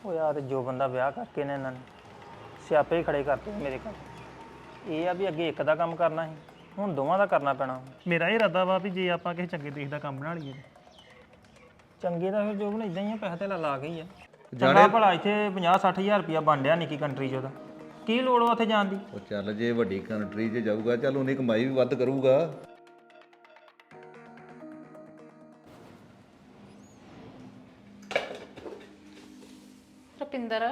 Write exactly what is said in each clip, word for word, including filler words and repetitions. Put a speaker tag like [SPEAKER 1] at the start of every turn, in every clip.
[SPEAKER 1] ਉਹ ਯਾਰ ਜੋ ਬੰਦਾ ਵਿਆਹ ਕਰਕੇ ਨੇ ਇਹਨਾਂ ਨੇ ਸਿਆਪੇ ਹੀ ਖੜੇ ਕਰਤੇ ਮੇਰੇ ਘਰ। ਇਹ ਆ ਵੀ ਅੱਗੇ ਇੱਕ ਦਾ ਕੰਮ ਕਰਨਾ ਸੀ, ਹੁਣ ਦੋਵਾਂ ਦਾ ਕਰਨਾ ਪੈਣਾ।
[SPEAKER 2] ਮੇਰਾ ਇਹ ਇਰਾਦਾ ਵਾ ਵੀ ਜੇ ਆਪਾਂ ਕਿਸੇ ਚੰਗੇ ਦੇਸ਼ ਦਾ ਕੰਮ ਬਣਾ ਲਈਏ
[SPEAKER 1] ਚੰਗੇ ਦਾ ਫਿਰ ਜੋ ਬਣ ਇਦਾਂ ਹੀ ਆ, ਪੈਸੇ ਤੇ ਲਾ ਕੇ ਹੀ ਆ। ਚੰਗਾ ਭਲਾ ਇੱਥੇ ਪੰਜਾਹ ਸੱਠ ਹਜ਼ਾਰ ਰੁਪਇਆ ਬਣ ਡਿਆ ਨਿੱਕੀ ਕੰਟਰੀ 'ਚ, ਉਹਦਾ ਕੀ ਲੋੜ ਵਾ ਉੱਥੇ ਜਾਣ ਦੀ।
[SPEAKER 3] ਉਹ ਚੱਲ ਜੇ ਵੱਡੀ ਕੰਟਰੀ 'ਚ ਜਾਊਗਾ ਚੱਲ ਉਹਨੇ ਕਮਾਈ ਵੀ ਵੱਧ ਕਰੂਗਾ।
[SPEAKER 4] ਰੁਪਿੰਦਰ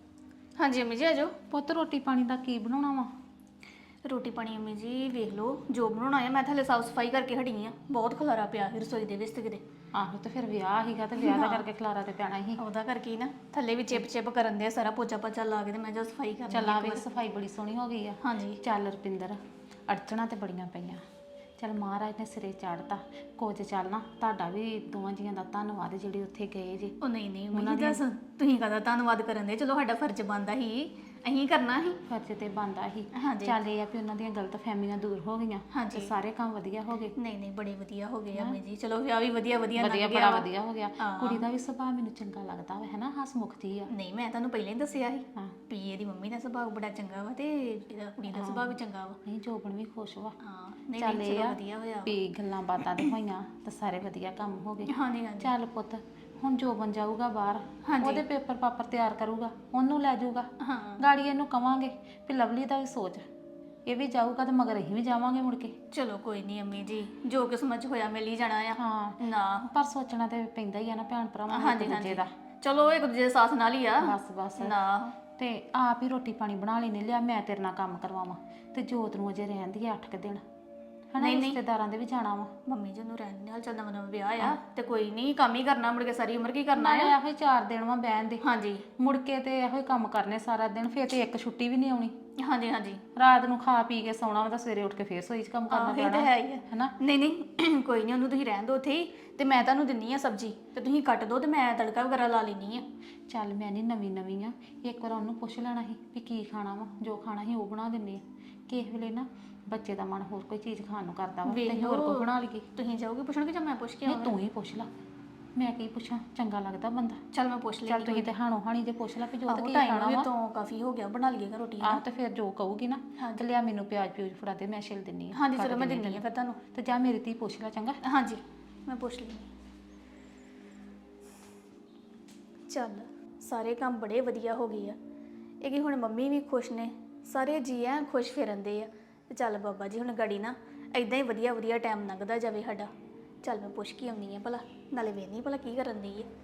[SPEAKER 5] ਹਾਂਜੀ ਅੰਮੀ ਜੀ ਆਜੋ।
[SPEAKER 4] ਪੁੱਤ ਰੋਟੀ ਪਾਣੀ ਦਾ ਕੀ ਬਣਾਉਣਾ ਵਾ?
[SPEAKER 5] ਰੋਟੀ ਪਾਣੀ ਅੰਮੀ ਜੀ ਵੇਖ ਲਓ ਜੋ ਬਣਾਉਣਾ ਆ। ਮੈਂ ਥੱਲੇ ਸਾਫ ਸਫਾਈ ਕਰਕੇ ਹਟੀ ਆ, ਬਹੁਤ ਖਲਾਰਾ ਪਿਆ ਸੀ ਰਸੋਈ ਦੇ ਵਿੱਚ ਤੇ ਕਿਤੇ।
[SPEAKER 4] ਆਹੋ ਤੇ ਫਿਰ ਵਿਆਹ ਸੀਗਾ ਤੇ ਵਿਆਹ ਦਾ ਕਰਕੇ ਖਲਾਰਾ ਤੇ ਪੈਣਾ ਸੀ।
[SPEAKER 5] ਉਹਦਾ ਕਰਕੇ ਹੀ ਨਾ ਥੱਲੇ ਵੀ ਚਿਪ ਚਿਪ ਕਰਨ ਦੇ ਸਾਰਾ ਪੋਚਾ ਪੋਚਾ ਲਾ ਕੇ ਤੇ ਮੈਂ ਜੋ ਸਫਾਈ ਕਰ
[SPEAKER 4] ਚੱਲ ਆ ਵੇਖ ਸਫਾਈ ਬੜੀ ਸੋਹਣੀ ਹੋ ਗਈ ਆ।
[SPEAKER 5] ਹਾਂਜੀ
[SPEAKER 4] ਚੱਲ ਰੁਪਿੰਦਰ ਅੜਚਣਾ ਤੇ ਬੜੀਆਂ ਪਈਆਂ, ਚੱਲ ਮਹਾਰਾਜ ਨੇ ਸਿਰੇ ਚਾੜਤਾ ਕੁਝ। ਚੱਲ ਨਾ ਤੁਹਾਡਾ ਵੀ ਦੋਵਾਂ ਜੀਆਂ ਦਾ ਧੰਨਵਾਦ ਜਿਹੜੇ ਉੱਥੇ ਗਏ ਜੀ।
[SPEAKER 5] ਉਹ ਨਹੀਂ ਨਹੀਂ ਮੈਨੂੰ ਦੱਸ ਤੁਸੀਂ ਕਦਾ ਧੰਨਵਾਦ ਕਰਨ ਦੇ, ਚਲੋ ਸਾਡਾ ਫਰਜ਼ ਬਣਦਾ ਸੀ, ਅਸੀਂ ਕਰਨਾ ਸੀ।
[SPEAKER 4] ਫਰਜ਼ ਤੇ ਬਣਦਾ ਸੀ।
[SPEAKER 5] ਹਾਂਜੀ
[SPEAKER 4] ਚੱਲ ਇਹ ਆ ਵੀ ਉਹਨਾਂ ਦੀਆਂ ਗਲਤ ਫਹਿਮੀਆਂ ਦੂਰ ਹੋ ਗਈਆਂ
[SPEAKER 5] ਹਾਂਜੀ।
[SPEAKER 4] ਤੇ ਸਾਰੇ ਕੰਮ ਵਧੀਆ ਹੋ ਗਏ।
[SPEAKER 5] ਨਹੀਂ ਨਹੀਂ ਬੜੇ ਵਧੀਆ ਹੋ ਗਏ ਅੰਮੀ ਜੀ, ਚਲੋ ਵਿਆਹ ਵੀ ਵਧੀਆ ਵਧੀਆ ਲੰਘ
[SPEAKER 4] ਵਧੀਆ
[SPEAKER 5] ਗਿਆ
[SPEAKER 4] ਬੜਾ
[SPEAKER 5] ਵਾ।
[SPEAKER 4] ਵਧੀਆ ਹੋ ਗਿਆ।
[SPEAKER 5] ਹਾਂ।
[SPEAKER 4] ਕੁੜੀ ਦਾ ਵੀ ਸੁਭਾਅ ਮੈਨੂੰ ਚੰਗਾ ਲੱਗਦਾ ਵਾ, ਹੈ ਨਾ, ਹਸਮੁਖ ਜੀ ਆ।
[SPEAKER 5] ਨਹੀਂ ਮੈਂ ਤੁਹਾਨੂੰ ਪਹਿਲਾਂ ਹੀ ਦੱਸਿਆ ਸੀ
[SPEAKER 4] ਹਾਂ।
[SPEAKER 5] ਵੀ ਇਹਦੀ ਮੰਮੀ ਦਾ ਸੁਭਾਅ ਬੜਾ ਚੰਗਾ ਵਾ ਤੇ ਇਹਦਾ ਕੁੜੀ ਦਾ ਸੁਭਾਅ ਵੀ ਚੰਗਾ ਵਾ।
[SPEAKER 4] ਨਹੀਂ ਜੋਬਨ ਵੀ ਖੁਸ਼ ਵਾ।
[SPEAKER 5] ਹਾਂ ਨਹੀਂ
[SPEAKER 4] ਚੱਲ
[SPEAKER 5] ਨਹੀਂ
[SPEAKER 4] ਇਹ
[SPEAKER 5] ਚਲੋ
[SPEAKER 4] ਆ
[SPEAKER 5] ਵਧੀਆ ਹੋਇਆ।
[SPEAKER 4] ਵੀ ਗੱਲਾਂ ਬਾਤਾਂ ਤੇ ਹੋਈਆਂ ਤੇ ਸਾਰੇ ਵਧੀਆ ਕੰਮ ਹੋ ਗਏ।
[SPEAKER 5] ਹਾਂਜੀ ਹਾਂਜੀ
[SPEAKER 4] ਚੱਲ ਪੁੱਤ ਹੁਣ ਜੋਬਨ ਜਾਊਗਾ ਬਾਹਰ,
[SPEAKER 5] ਹਾਂਜੀ।
[SPEAKER 4] ਉਹਦੇ ਪੇਪਰ ਪਾਪਰ ਤਿਆਰ ਕਰੂਗਾ, ਉਹਨੂੰ ਲੈ ਜਾਊਗਾ।
[SPEAKER 5] ਹਾਂ
[SPEAKER 4] ਗਾੜੀ ਇਹਨੂੰ ਕਵਾਂਗੇ ਵੀ ਲਵਲੀ ਦਾ ਵੀ ਸੋਚ, ਇਹ ਵੀ ਜਾਊਗਾ ਤੇ ਮਗਰ ਅਸੀਂ ਵੀ ਜਾਵਾਂਗੇ ਮੁੜ ਕੇ।
[SPEAKER 5] ਚਲੋ ਕੋਈ ਨਹੀਂ ਅੰਮੀ ਜੀ, ਜੋ ਕਿਸਮਤ 'ਚ ਹੋਇਆ ਮਿਲ ਹੀ ਜਾਣਾ ਆ।
[SPEAKER 4] ਹਾਂ
[SPEAKER 5] ਨਾ
[SPEAKER 4] ਪਰ ਸੋਚਣਾ ਤੇ ਪੈਂਦਾ ਹੀ ਆ ਨਾ ਭੈਣ ਭਰਾਵਾਂ ਨੂੰ
[SPEAKER 5] ਹਾਂਜੀ
[SPEAKER 4] ਇੱਕ ਦੂਜੇ
[SPEAKER 5] ਹਾਂਜੀ
[SPEAKER 4] ਦਾ।
[SPEAKER 5] ਚਲੋ ਇੱਕ ਦੂਜੇ ਦੇ ਸਾਥ ਨਾਲ ਹੀ ਆ।
[SPEAKER 4] ਬਸ ਬਸ
[SPEAKER 5] ਨਾ
[SPEAKER 4] ਤੇ ਆਪ ਹੀ ਰੋਟੀ ਪਾਣੀ ਬਣਾ ਲੈਨੇ, ਲਿਆ ਮੈਂ ਤੇਰੇ ਨਾਲ ਕੰਮ ਕਰਵਾਵਾਂ ਤੇ ਜੋਤ ਨੂੰ ਅਜੇ ਰਹਿੰਦੀ ਆ ਅੱਠ ਕੁ ਦਿਨ, ਹਨਾ, ਰਿਸ਼ਤੇਦਾਰਾਂ ਦੇ ਵੀ ਜਾਣਾ ਵਾ।
[SPEAKER 5] ਮੰਮੀ ਜੀ ਨੂੰ ਰਹਿਣ ਨਾਲ ਚੱਲਦਾ ਮਨ ਵਿਆਹ ਆ ਤੇ ਕੋਈ ਨਹੀਂ ਕੰਮ ਹੀ ਕਰਨਾ ਮੁੜ ਕੇ ਸਾਰੀ ਉਮਰ ਕੀ ਕਰਨਾ
[SPEAKER 4] ਨਾਲੇ
[SPEAKER 5] ਆ।
[SPEAKER 4] ਇਹੋ ਹੀ ਚਾਰ ਦਿਨ ਵਾ ਬਹਿਣ ਦੇ,
[SPEAKER 5] ਹਾਂਜੀ
[SPEAKER 4] ਮੁੜ ਕੇ ਤੇ ਇਹੋ ਹੀ ਕੰਮ ਕਰਨੇ ਸਾਰਾ ਦਿਨ, ਫੇਰ ਤੇ ਇੱਕ ਛੁੱਟੀ ਵੀ ਨਹੀਂ ਆਉਣੀ।
[SPEAKER 5] ਹਾਂਜੀ ਹਾਂਜੀ
[SPEAKER 4] ਰਾਤ ਨੂੰ ਖਾ ਪੀ ਕੇ ਸੌਣਾ ਵਾ ਤਾਂ ਸਵੇਰੇ ਉੱਠ ਕੇ ਫੇਰ ਸੋਈ 'ਚ ਕੰਮ ਕਰਨਾ
[SPEAKER 5] ਆਹ, ਇਹ
[SPEAKER 4] ਪੈਣਾ,
[SPEAKER 5] ਤਾਂ ਹੈ ਹੀ ਆ।
[SPEAKER 4] ਹਨਾ।
[SPEAKER 5] ਨਹੀਂ ਨਹੀਂ ਕੋਈ ਨਹੀਂ, ਉਹਨੂੰ ਤੁਸੀਂ ਰਹਿਣ ਦਿਓ ਉੱਥੇ ਹੀ ਤੇ ਮੈਂ ਤੁਹਾਨੂੰ ਦਿੰਨੀ ਆ ਸਬਜ਼ੀ ਤੇ ਤੁਸੀਂ ਕੱਟ ਦਿਓ ਤੇ ਮੈਂ ਤੜਕਾ ਵਗੈਰਾ ਲਾ ਲੈਣੀ ਆ।
[SPEAKER 4] ਚੱਲ ਮੈਂ ਨਹੀਂ ਨਵੀਂ ਨਵੀਂ ਆ, ਇੱਕ ਵਾਰ ਉਹਨੂੰ ਪੁੱਛ ਲੈਣਾ ਸੀ ਵੀ ਕੀ ਖਾਣਾ ਵਾ, ਜੋ ਖਾਣਾ ਸੀ ਉਹ ਬਣਾ ਦਿੰਦੇ ਆ। ਕਿਸੇ ਵੇਲੇ ਨਾ ਬੱਚੇ ਦਾ ਮਨ ਹੋਰ ਕੋਈ ਚੀਜ਼ ਖਾਣ ਨੂੰ ਕਰਦਾ ਵਾ ਤੇ ਅਸੀਂ ਹੋਰ ਕੋਈ ਬਣਾ ਲਈਏ।
[SPEAKER 5] ਤੁਸੀਂ ਜਾਓਗੇ ਪੁੱਛਣਗੇ ਜਾਂ ਮੈਂ ਪੁੱਛ ਕੇ
[SPEAKER 4] ਨਹੀਂ
[SPEAKER 5] ਆਵਾਂ?
[SPEAKER 4] ਤੂੰ ਹੀ ਪੁੱਛ ਲਾ, ਮੈਂ ਕੀ ਪੁੱਛਾਂ, ਚੰਗਾ ਲੱਗਦਾ ਬੰਦਾ।
[SPEAKER 5] ਚੱਲ ਮੈਂ ਪੁੱਛ ਲਈ।
[SPEAKER 4] ਚੱਲ ਤੁਸੀਂ ਤੇ ਹਾਣੋ ਹਾਣੀ ਤੇ ਪੁੱਛ ਲਾ ਵੀ ਜੋ ਤੇ ਕੀ
[SPEAKER 5] ਟਾਈਮ
[SPEAKER 4] ਖਾਣਾ
[SPEAKER 5] ਵੀ
[SPEAKER 4] ਵਾ।
[SPEAKER 5] ਤੋਂ ਕਾਫੀ ਹੋ ਗਿਆ, ਬਣਾ ਲਈਏਗਾ ਰੋਟੀ।
[SPEAKER 4] ਆਹ ਤੇ ਫਿਰ ਜੋ ਕਹੂਗੀ ਨਾ ਤੇ ਲਿਆ ਮੈਨੂੰ ਪਿਆਜ਼ ਪਿਊਜ਼ ਫੜਾ ਦੇ, ਮੈਂ ਛਿਲ ਦਿੰਨੀ ਆ।
[SPEAKER 5] ਹਾਂਜੀ ਚਲੋ ਮੈਂ ਦਿੰਨੀ ਆ ਫਿਰ ਤੁਹਾਨੂੰ।
[SPEAKER 4] ਤੇ ਜਾ ਮੇਰੀ ਧੀ ਪੁੱਛ ਲੈ ਚੰਗਾ।
[SPEAKER 5] ਹਾਂਜੀ ਮੈਂ ਪੁੱਛ ਲਈ। ਚੱਲ ਸਾਰੇ ਕੰਮ ਬੜੇ ਵਧੀਆ ਹੋ ਗਏ ਆ, ਇਹ ਕਿ ਹੁਣ ਮੰਮੀ ਵੀ ਖੁਸ਼ ਨੇ, ਸਾਰੇ ਜੀ ਐ ਖੁਸ਼ ਫਿਰਨਦੇ ਆ। ਤੇ ਚੱਲ ਬਾਬਾ ਜੀ ਹੁਣ ਗਾੜੀ ਨਾ ਇਦਾਂ ਹੀ ਵਧੀਆ ਵਧੀਆ ਟਾਈਮ ਲੰਘਦਾ ਜਾਵੇ ਸਾਡਾ। ਚੱਲ ਮੈਂ ਪੁੱਛ ਕੇ ਆਉਂਦੀ ਆ ਭਲਾ, ਨਾਲੇ ਵੇਖਦੀ ਭਲਾ ਕੀ ਕਰਨ ਦੀ ਹੈ।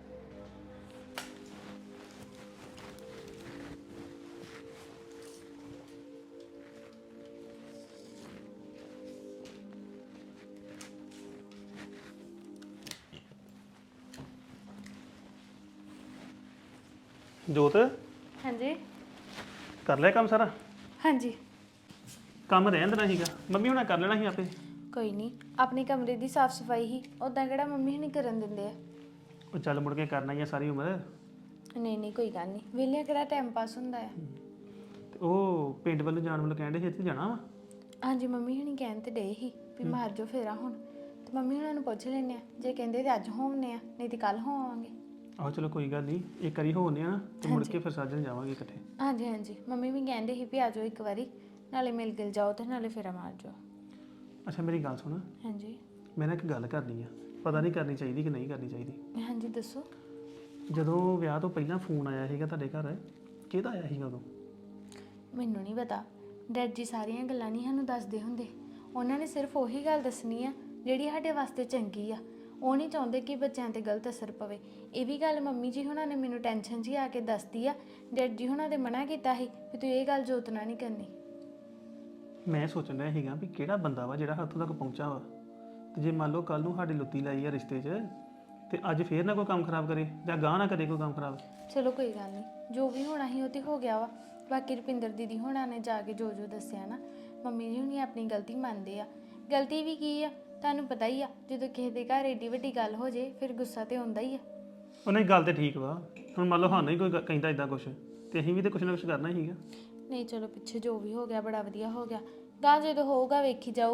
[SPEAKER 2] ਜੋਤ
[SPEAKER 6] ਹਾਂਜੀ
[SPEAKER 2] ਕਰ ਲਿਆ ਕੰਮ ਸਾਰਾ?
[SPEAKER 6] ਹਾਂਜੀ
[SPEAKER 2] ਕੰਮ ਰਹਿਣ ਦੇਣਾ ਸੀਗਾ, ਮੰਮੀ ਹੁਣਾਂ ਕਰ ਲੈਣਾ ਸੀ ਆਪੇ।
[SPEAKER 6] ਕੋਈ ਨਹੀਂ, ਆਪਣੀ ਕਮਰੇ ਦੀ ਸਾਫ ਸਫਾਈ ਹੀ ਉਦਾਂ ਕਿਹੜਾ ਮੰਮੀ ਹੁਣੀ ਕਰਨ ਦਿੰਦੇ ਆ।
[SPEAKER 2] ਉਹ ਚੱਲ ਮੁੜ ਕੇ ਕਰਨਾ ਹੀ ਆ ਸਾਰੀ ਉਮਰ।
[SPEAKER 6] ਨਹੀਂ ਨਹੀਂ ਕੋਈ ਗੱਲ ਨਹੀਂ, ਵਿਹਲਿਆਂ ਕਿਹੜਾ ਟਾਈਮ ਪਾਸ ਹੁੰਦਾ ਆ।
[SPEAKER 2] ਤੇ ਉਹ ਪਿੰਡ ਵੱਲੋਂ ਜਾਣ ਵੱਲੋਂ ਕਹਿੰਦੇ ਸੀ ਇੱਥੇ ਜਾਣਾ ਵਾ।
[SPEAKER 6] ਹਾਂਜੀ ਮੰਮੀ ਹੁਣੀ ਕਹਿਣ ਤੇ ਡੇ ਹੀ ਵੀ ਮਾਰ ਜੋ ਫੇਰਾ ਹੁਣ, ਤੇ ਮੰਮੀ ਹੁਣਾਂ ਨੂੰ ਪੁੱਛ ਲੈਂਦੇ ਆ, ਜੇ ਕਹਿੰਦੇ ਤੇ ਅੱਜ ਹੋਵਨੇ ਆ, ਨਹੀਂ ਤੇ ਕੱਲ ਹੋਵਾਂਗੇ।
[SPEAKER 2] ਆਹੋ ਚਲੋ ਕੋਈ ਗੱਲ ਨਹੀਂ, ਇੱਕ ਵਾਰੀ ਹੋਣੇ ਆ ਤੇ ਮੁੜ ਕੇ ਫਿਰ ਸਾਜਣ ਜਾਵਾਂਗੇ ਇਕੱਠੇ।
[SPEAKER 6] ਹਾਂਜੀ ਹਾਂਜੀ ਮੰਮੀ ਵੀ ਕਹਿੰਦੇ ਸੀ ਵੀ ਆ ਜਾਓ ਇੱਕ ਵਾਰੀ, ਨਾਲੇ ਮਿਲ ਗਿਲ ਜਾਓ ਤੇ ਨਾਲੇ ਫੇਰਾ ਮਾਰ ਜਾਓ।
[SPEAKER 2] ਅੱਛਾ ਮੇਰੀ ਗੱਲ ਸੁਣ,
[SPEAKER 6] ਹਾਂਜੀ
[SPEAKER 2] ਮੈਂ ਨਾ ਇੱਕ ਗੱਲ ਕਰਨੀ ਆ, ਪਤਾ ਨਹੀਂ ਕਰਨੀ ਚਾਹੀਦੀ ਕਿ ਨਹੀਂ ਕਰਨੀ ਚਾਹੀਦੀ।
[SPEAKER 6] ਹਾਂਜੀ ਦੱਸੋ।
[SPEAKER 2] ਜਦੋਂ ਵਿਆਹ ਤੋਂ ਪਹਿਲਾਂ ਫੋਨ ਆਇਆ ਸੀਗਾ ਤੁਹਾਡੇ ਘਰ, ਕਿਹਦਾ ਆਇਆ ਸੀਗਾ ਉਦੋਂ?
[SPEAKER 6] ਮੈਨੂੰ ਨਹੀਂ ਪਤਾ, ਡੈਡ ਜੀ ਸਾਰੀਆਂ ਗੱਲਾਂ ਨਹੀਂ ਸਾਨੂੰ ਦੱਸਦੇ ਹੁੰਦੇ, ਉਹਨਾਂ ਨੇ ਸਿਰਫ ਉਹੀ ਗੱਲ ਦੱਸਣੀ ਆ ਜਿਹੜੀ ਸਾਡੇ ਵਾਸਤੇ ਚੰਗੀ ਆ। ਉਹ ਨਹੀਂ ਚਾਹੁੰਦੇ ਕਿ ਬੱਚਿਆਂ ਤੇ ਗਲਤ ਅਸਰ ਪਵੇ। ਇਹ ਵੀ ਗੱਲ ਮੰਮੀ ਜੀ ਹੁਣਾਂ ਨੇ ਮੈਨੂੰ ਟੈਨਸ਼ਨ ਜੀ ਆ ਕੇ ਦੱਸਦੀ ਆ। ਡੈਡ ਜੀ ਹੁਣਾਂ ਦੇ ਮਨਾ ਕੀਤਾ ਸੀ ਵੀ ਤੂੰ ਇਹ ਗੱਲ ਜੋਤ ਨਾਲ ਨਹੀਂ ਕਰਨੀ।
[SPEAKER 2] ਮੈਂ ਸੋਚਣ ਰਿਹਾ ਸੀਗਾ ਵੀ ਕਿਹੜਾ ਬੰਦਾ ਵਾ ਜਿਹੜਾ ਹੱਥੋਂ ਤੱਕ ਪਹੁੰਚਾ ਵਾ, ਤੇ ਜੇ ਮੰਨ ਲਓ ਕੱਲ ਨੂੰ ਸਾਡੀ ਲੁੱਤੀ ਲਾਈ ਆ ਰਿਸ਼ਤੇ 'ਚ ਤੇ ਅੱਜ ਫੇਰ ਨਾ ਕੋਈ ਕੰਮ ਖਰਾਬ ਕਰੇ ਜਾਂ ਗਾਹ ਨਾ ਕਰੇ ਕੋਈ ਕੰਮ ਖਰਾਬ।
[SPEAKER 6] ਚਲੋ ਕੋਈ ਗੱਲ ਨਹੀਂ, ਜੋ ਵੀ ਹੋਣਾ ਸੀ ਉਹ ਤੇ ਹੋ ਗਿਆ ਵਾ। ਬਾਕੀ ਰੁਪਿੰਦਰ ਦੀਦੀ ਹੁਣਾਂ ਨੇ ਜਾ ਕੇ ਜੋ ਜੋ ਦੱਸਿਆ ਨਾ, ਮੰਮੀ ਜੀ ਹੁਣੀ ਆਪਣੀ ਗਲਤੀ ਮੰਨਦੇ ਆ। ਗਲਤੀ ਵੀ ਕੀ ਆ ਤੁਹਾਨੂੰ ਪਤਾ ਹੀ ਆ, ਜਦੋਂ ਕਿਸੇ ਦੇ ਘਰ ਏਡੀ ਵੱਡੀ ਗੱਲ ਹੋ ਜੇ ਫਿਰ ਗੁੱਸਾ ਤੇ ਆਉਂਦਾ ਹੀ ਆ।
[SPEAKER 2] ਉਹਨੇ ਗੱਲ ਤੇ ਠੀਕ ਵਾ, ਹੁਣ ਮੰਨ ਲਓ ਸਾਨੂੰ ਹੀ ਕੋਈ ਗ- ਕਹਿੰਦਾ ਇਦਾਂ ਕੁਛ ਤੇ ਅਸੀਂ ਵੀ ਤੇ ਕੁਛ ਨਾ ਕੁਛ ਕਰਨਾ ਹੀ ਸੀਗਾ।
[SPEAKER 6] ਨਹੀਂ ਚਲੋ ਪਿੱਛੇ ਜੋ ਵੀ ਹੋ ਗਿਆ ਬੜਾ ਵਧੀਆ ਹੋ ਗਿਆ, ਗਾਂ ਜਦੋਂ ਹੋਊਗਾ ਵੇਖੀ ਜਾਊਗੀ।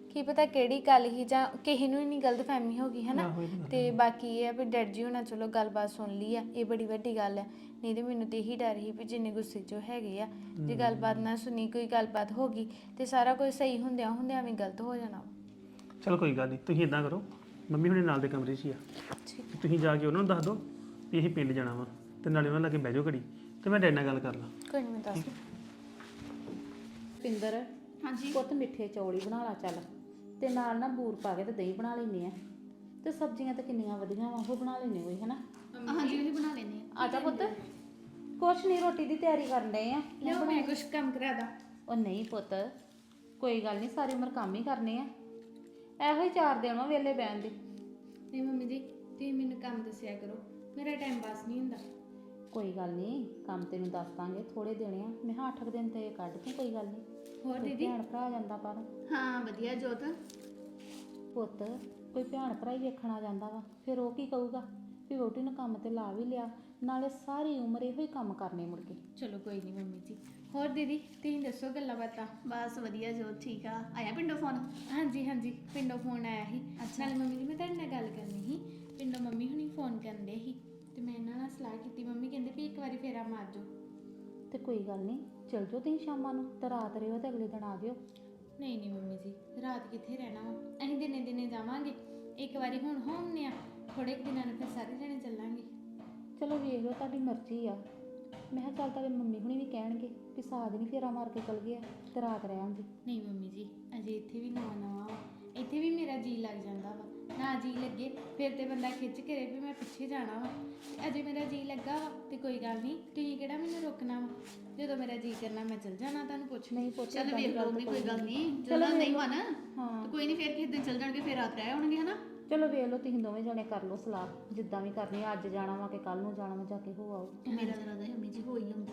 [SPEAKER 6] ਕੀ ਪਤਾ ਕਿਹੜੀ ਗੱਲ ਹੀ ਜਾਂ ਕਿਸੇ ਨੂੰ ਹੀ ਨਹੀਂ ਗਲਤਫਹਿਮੀ ਹੋ ਗਈ ਹੈ ਨਾ। ਤੇ ਬਾਕੀ ਇਹ ਆ ਵੀ ਡੈਡ ਜੀ ਹੋਣਾ ਚਲੋ ਗੱਲਬਾਤ ਸੁਣ ਲਈ ਆ, ਇਹ ਬੜੀ ਵੱਡੀ ਗੱਲ ਹੈ। ਨਹੀਂ ਤੇ ਮੈਨੂੰ ਤੇ ਇਹੀ ਡਰ ਸੀ ਵੀ ਜਿੰਨੇ ਗੁੱਸੇ 'ਚ ਉਹ ਹੈਗੇ ਆ, ਜੇ ਗੱਲਬਾਤ ਨਾ ਸੁਣੀ, ਕੋਈ ਗੱਲਬਾਤ ਹੋ ਗਈ ਤੇ ਸਾਰਾ ਕੁਝ ਸਹੀ ਹੁੰਦਿਆਂ ਹੁੰਦਿਆਂ ਵੀ ਗਲਤ ਹੋ ਜਾਣਾ ਵਾ।
[SPEAKER 2] ਚਲ ਕੋਈ ਗੱਲ ਨਹੀਂ, ਤੁਸੀਂ ਇਦਾਂ ਕਰੋ, ਮੰਮੀ ਹੁਣੇ ਨਾਲ ਦੇ ਕਮਰੇ 'ਚ ਹੀ ਆ, ਤੁਸੀਂ ਜਾ ਕੇ ਉਹਨਾਂ ਨੂੰ ਦੱਸ ਦਿਓ ਵੀ ਅਸੀਂ ਪਿੰਡ ਜਾਣਾ ਵਾ, ਤੇ ਨਾਲੇ ਉਹਨਾਂ ਲਾਗੇ ਬਹਿ ਜਾਓ ਘੜੀ, ਤੇ ਮੈਂ ਡੈਡ ਨਾਲ ਗੱਲ ਕਰ ਲਾਂ।
[SPEAKER 6] ਕੋਈ ਨਹੀਂ, ਮੈਂ ਦੱਸ
[SPEAKER 7] ਪਿੰਦਰ ਹਾਂਜੀ ਪੁੱਤ ਮਿੱਠੇ ਚੌਲ ਹੀ ਬਣਾ ਲਾ ਚੱਲ, ਤੇ ਨਾਲ ਨਾ ਬੂਰ ਪਾ ਕੇ ਤੇ ਦਹੀਂ ਬਣਾ ਲੈਨੇ ਆ, ਤੇ ਸਬਜ਼ੀਆਂ ਤਾਂ ਕਿੰਨੀਆਂ ਵਧੀਆ ਵਾ ਉਹ ਬਣਾ ਲੈਨੇ ਕੋਈ ਹਨਾ।
[SPEAKER 5] ਹਾਂਜੀ ਉਹੀ ਬਣਾ ਲੈਨੇ
[SPEAKER 7] ਆ ਜਾ ਪੁੱਤ, ਕੁਛ ਨਹੀਂ ਰੋਟੀ ਦੀ ਤਿਆਰੀ ਕਰਨ ਡਏ ਆ।
[SPEAKER 6] ਲਿਓ ਮੈਂ ਕੁਝ ਕੰਮ ਕਰਾ ਦਾਂ।
[SPEAKER 7] ਉਹ ਨਹੀਂ ਪੁੱਤ, ਕੋਈ ਗੱਲ ਨਹੀਂ, ਸਾਰੀ ਉਮਰ ਕੰਮ ਹੀ ਕਰਨੇ ਆ, ਇਹੋ ਹੀ ਚਾਰ ਦਿਨ ਵਾ ਵੇਲੇ ਬਹਿਣ ਦੇ।
[SPEAKER 6] ਨਹੀਂ ਮੰਮੀ ਜੀ, ਤੁਸੀਂ ਮੈਨੂੰ ਕੰਮ ਦੱਸਿਆ ਕਰੋ, ਮੇਰਾ ਟਾਈਮ ਪਾਸ ਨਹੀਂ ਹੁੰਦਾ।
[SPEAKER 7] ਕੋਈ ਗੱਲ ਨਹੀਂ, ਕੰਮ ਤੈਨੂੰ ਦੱਸ ਦਾਂਗੇ, ਥੋੜੇ ਦਿਨ ਆ, ਮੈਂ ਕਿਹਾ ਅੱਠ ਕੁ ਦਿਨ ਤੇ ਕੱਢ ਤੂੰ, ਕੋਈ ਗੱਲ ਨਹੀਂ।
[SPEAKER 6] ਹੋਰ
[SPEAKER 7] ਕੋਈ
[SPEAKER 6] ਦੀਦੀ?
[SPEAKER 7] ਭੈਣ ਭਰਾ ਜਾਂਦਾ ਪਰ
[SPEAKER 5] ਹਾਂ ਵਧੀਆ ਜੋਤ।
[SPEAKER 7] ਪੁੱਤ ਕੋਈ ਭੈਣ ਭਰਾ ਹੀ ਵੇਖਣ ਆ ਜਾਂਦਾ ਵਾ, ਫਿਰ ਉਹ ਕੀ ਕਹੂਗਾ ਵੀ ਵਹੁਟੀ ਨੂੰ ਕੰਮ ਤੇ ਲਾ ਵੀ ਲਿਆ, ਨਾਲੇ ਸਾਰੀ ਉਮਰ ਇਹੋ ਹੀ ਕੰਮ ਕਰਨੇ ਮੁੜ ਕੇ।
[SPEAKER 6] ਚਲੋ ਕੋਈ ਨਹੀਂ ਮੰਮੀ ਜੀ। ਹੋਰ ਦੀਦੀ ਤੁਸੀਂ ਦੱਸੋ ਗੱਲਾਂ ਬਾਤਾਂ?
[SPEAKER 5] ਬਸ ਵਧੀਆ ਜੋਤ, ਠੀਕ ਆ। ਆਇਆ ਪਿੰਡੋਂ ਫੋਨ?
[SPEAKER 6] ਹਾਂਜੀ ਹਾਂਜੀ, ਪਿੰਡੋਂ ਫੋਨ ਆਇਆ ਸੀ। ਨਾਲੇ ਮੰਮੀ ਜੀ ਮੈਂ ਤੁਹਾਡੇ ਨਾਲ ਗੱਲ ਕਰਨੀ ਸੀ, ਪਿੰਡੋਂ ਮੰਮੀ ਹੁਣੀ ਫੋਨ ਕਰਨ ਦੇ ਸੀ ਤੇ ਮੈਂ ਇਹਨਾਂ ਨਾਲ ਸਲਾਹ ਕੀਤੀ। ਮੰਮੀ ਕਹਿੰਦੇ ਵੀ ਇੱਕ ਵਾਰੀ ਫੇਰਾ ਮਾਰ ਜਾਓ।
[SPEAKER 7] ਤੇ ਕੋਈ ਗੱਲ ਨਹੀਂ, ਚਲ ਜਾਓ ਤੁਸੀਂ ਸ਼ਾਮਾਂ ਨੂੰ, ਤੇ ਰਾਤ ਰਿਓ ਤੇ ਅਗਲੇ ਦਿਨ ਆ ਜਿਓ।
[SPEAKER 6] ਨਹੀਂ ਨਹੀਂ ਮੰਮੀ ਜੀ, ਰਾਤ ਕਿੱਥੇ ਰਹਿਣਾ ਵਾ, ਅਸੀਂ ਦਿਨੇ ਦਿਨੇ ਜਾਵਾਂਗੇ। ਇੱਕ ਵਾਰੀ ਹੁਣ ਹੋਮਨੇ ਆ, ਥੋੜੇ ਕੁ ਦਿਨਾਂ ਨੂੰ ਫਿਰ ਸਾਰੇ ਜਣੇ ਚੱਲਾਂਗੇ।
[SPEAKER 7] ਚਲੋ ਵੇਖ ਲਓ, ਤੁਹਾਡੀ ਮਰਜ਼ੀ ਆ। ਮੈਂ ਕਿਹਾ ਚੱਲ ਤੁਹਾਡੇ ਮੰਮੀ ਹੁਣੀ ਵੀ ਕਹਿਣਗੇ ਵੀ ਸਾਜ ਨਹੀਂ ਫੇਰਾ ਮਾਰ ਕੇ ਚਲ ਗਿਆ ਤੇ ਰਾਤ ਰਹਿਣਗੇ।
[SPEAKER 6] ਨਹੀਂ ਮੰਮੀ ਜੀ, ਅਜੇ ਇੱਥੇ ਵੀ ਨਵਾਂ ਨਵਾਂ ਵਾ, ਇੱਥੇ ਵੀ ਮੇਰਾ ਜੀ ਲੱਗ ਜਾਂਦਾ ਵਾ। ਨਾ ਜੀ ਲੱਗੇ ਫਿਰ ਤੇ ਬੰਦਾ ਖਿੱਚ ਕੇ ਵੀ ਮੈਂ ਪਿੱਛੇ ਜਾਣਾ ਵਾ, ਅਜੇ ਮੇਰਾ ਜੀ ਲੱਗਾ ਵਾ ਤੇ ਕੋਈ ਗੱਲ ਨਹੀਂ, ਤੁਸੀਂ ਕਿਹੜਾ ਮੈਨੂੰ ਰੋਕਣਾ ਵਾ। ਜਦੋਂ ਮੇਰਾ ਜੀ ਕਰਨਾ ਮੈਂ ਚਲ ਜਾਣਾ, ਤੁਹਾਨੂੰ ਪੁੱਛ
[SPEAKER 7] ਨਹੀਂ ਪੁੱਛ
[SPEAKER 5] ਚੱਲ ਵੇਖ ਲਓਗੇ, ਕੋਈ ਗੱਲ ਨਹੀਂ। ਜਦੋਂ ਨਹੀਂ ਮਨ
[SPEAKER 7] ਹਾਂ
[SPEAKER 5] ਤੇ ਕੋਈ ਨਹੀਂ, ਫਿਰ ਕਿਸੇ ਦਿਨ ਚੱਲ ਜਾਣਗੇ, ਫਿਰ ਰਾਤ ਰਹਿ ਆਉਣਗੇ ਹਨਾ।
[SPEAKER 7] ਚਲੋ ਵੇਖ ਲਓ, ਤੁਸੀਂ ਦੋਵੇਂ ਜਣੇ ਕਰ ਲਓ ਸਲਾਹ, ਜਿੱਦਾਂ ਵੀ ਕਰਨੀ ਆ, ਅੱਜ ਜਾਣਾ ਵਾ ਕਿ ਕੱਲ ਨੂੰ ਜਾਣਾ ਵਾ, ਜਾ ਕੇ ਹੋ ਆਓ।
[SPEAKER 5] ਮੇਰਾ ਤਾਂ ਰਾਦਾ ਮੰਮੀ ਜੀ ਹੋ ਹੀ ਆਉਂਦੀ,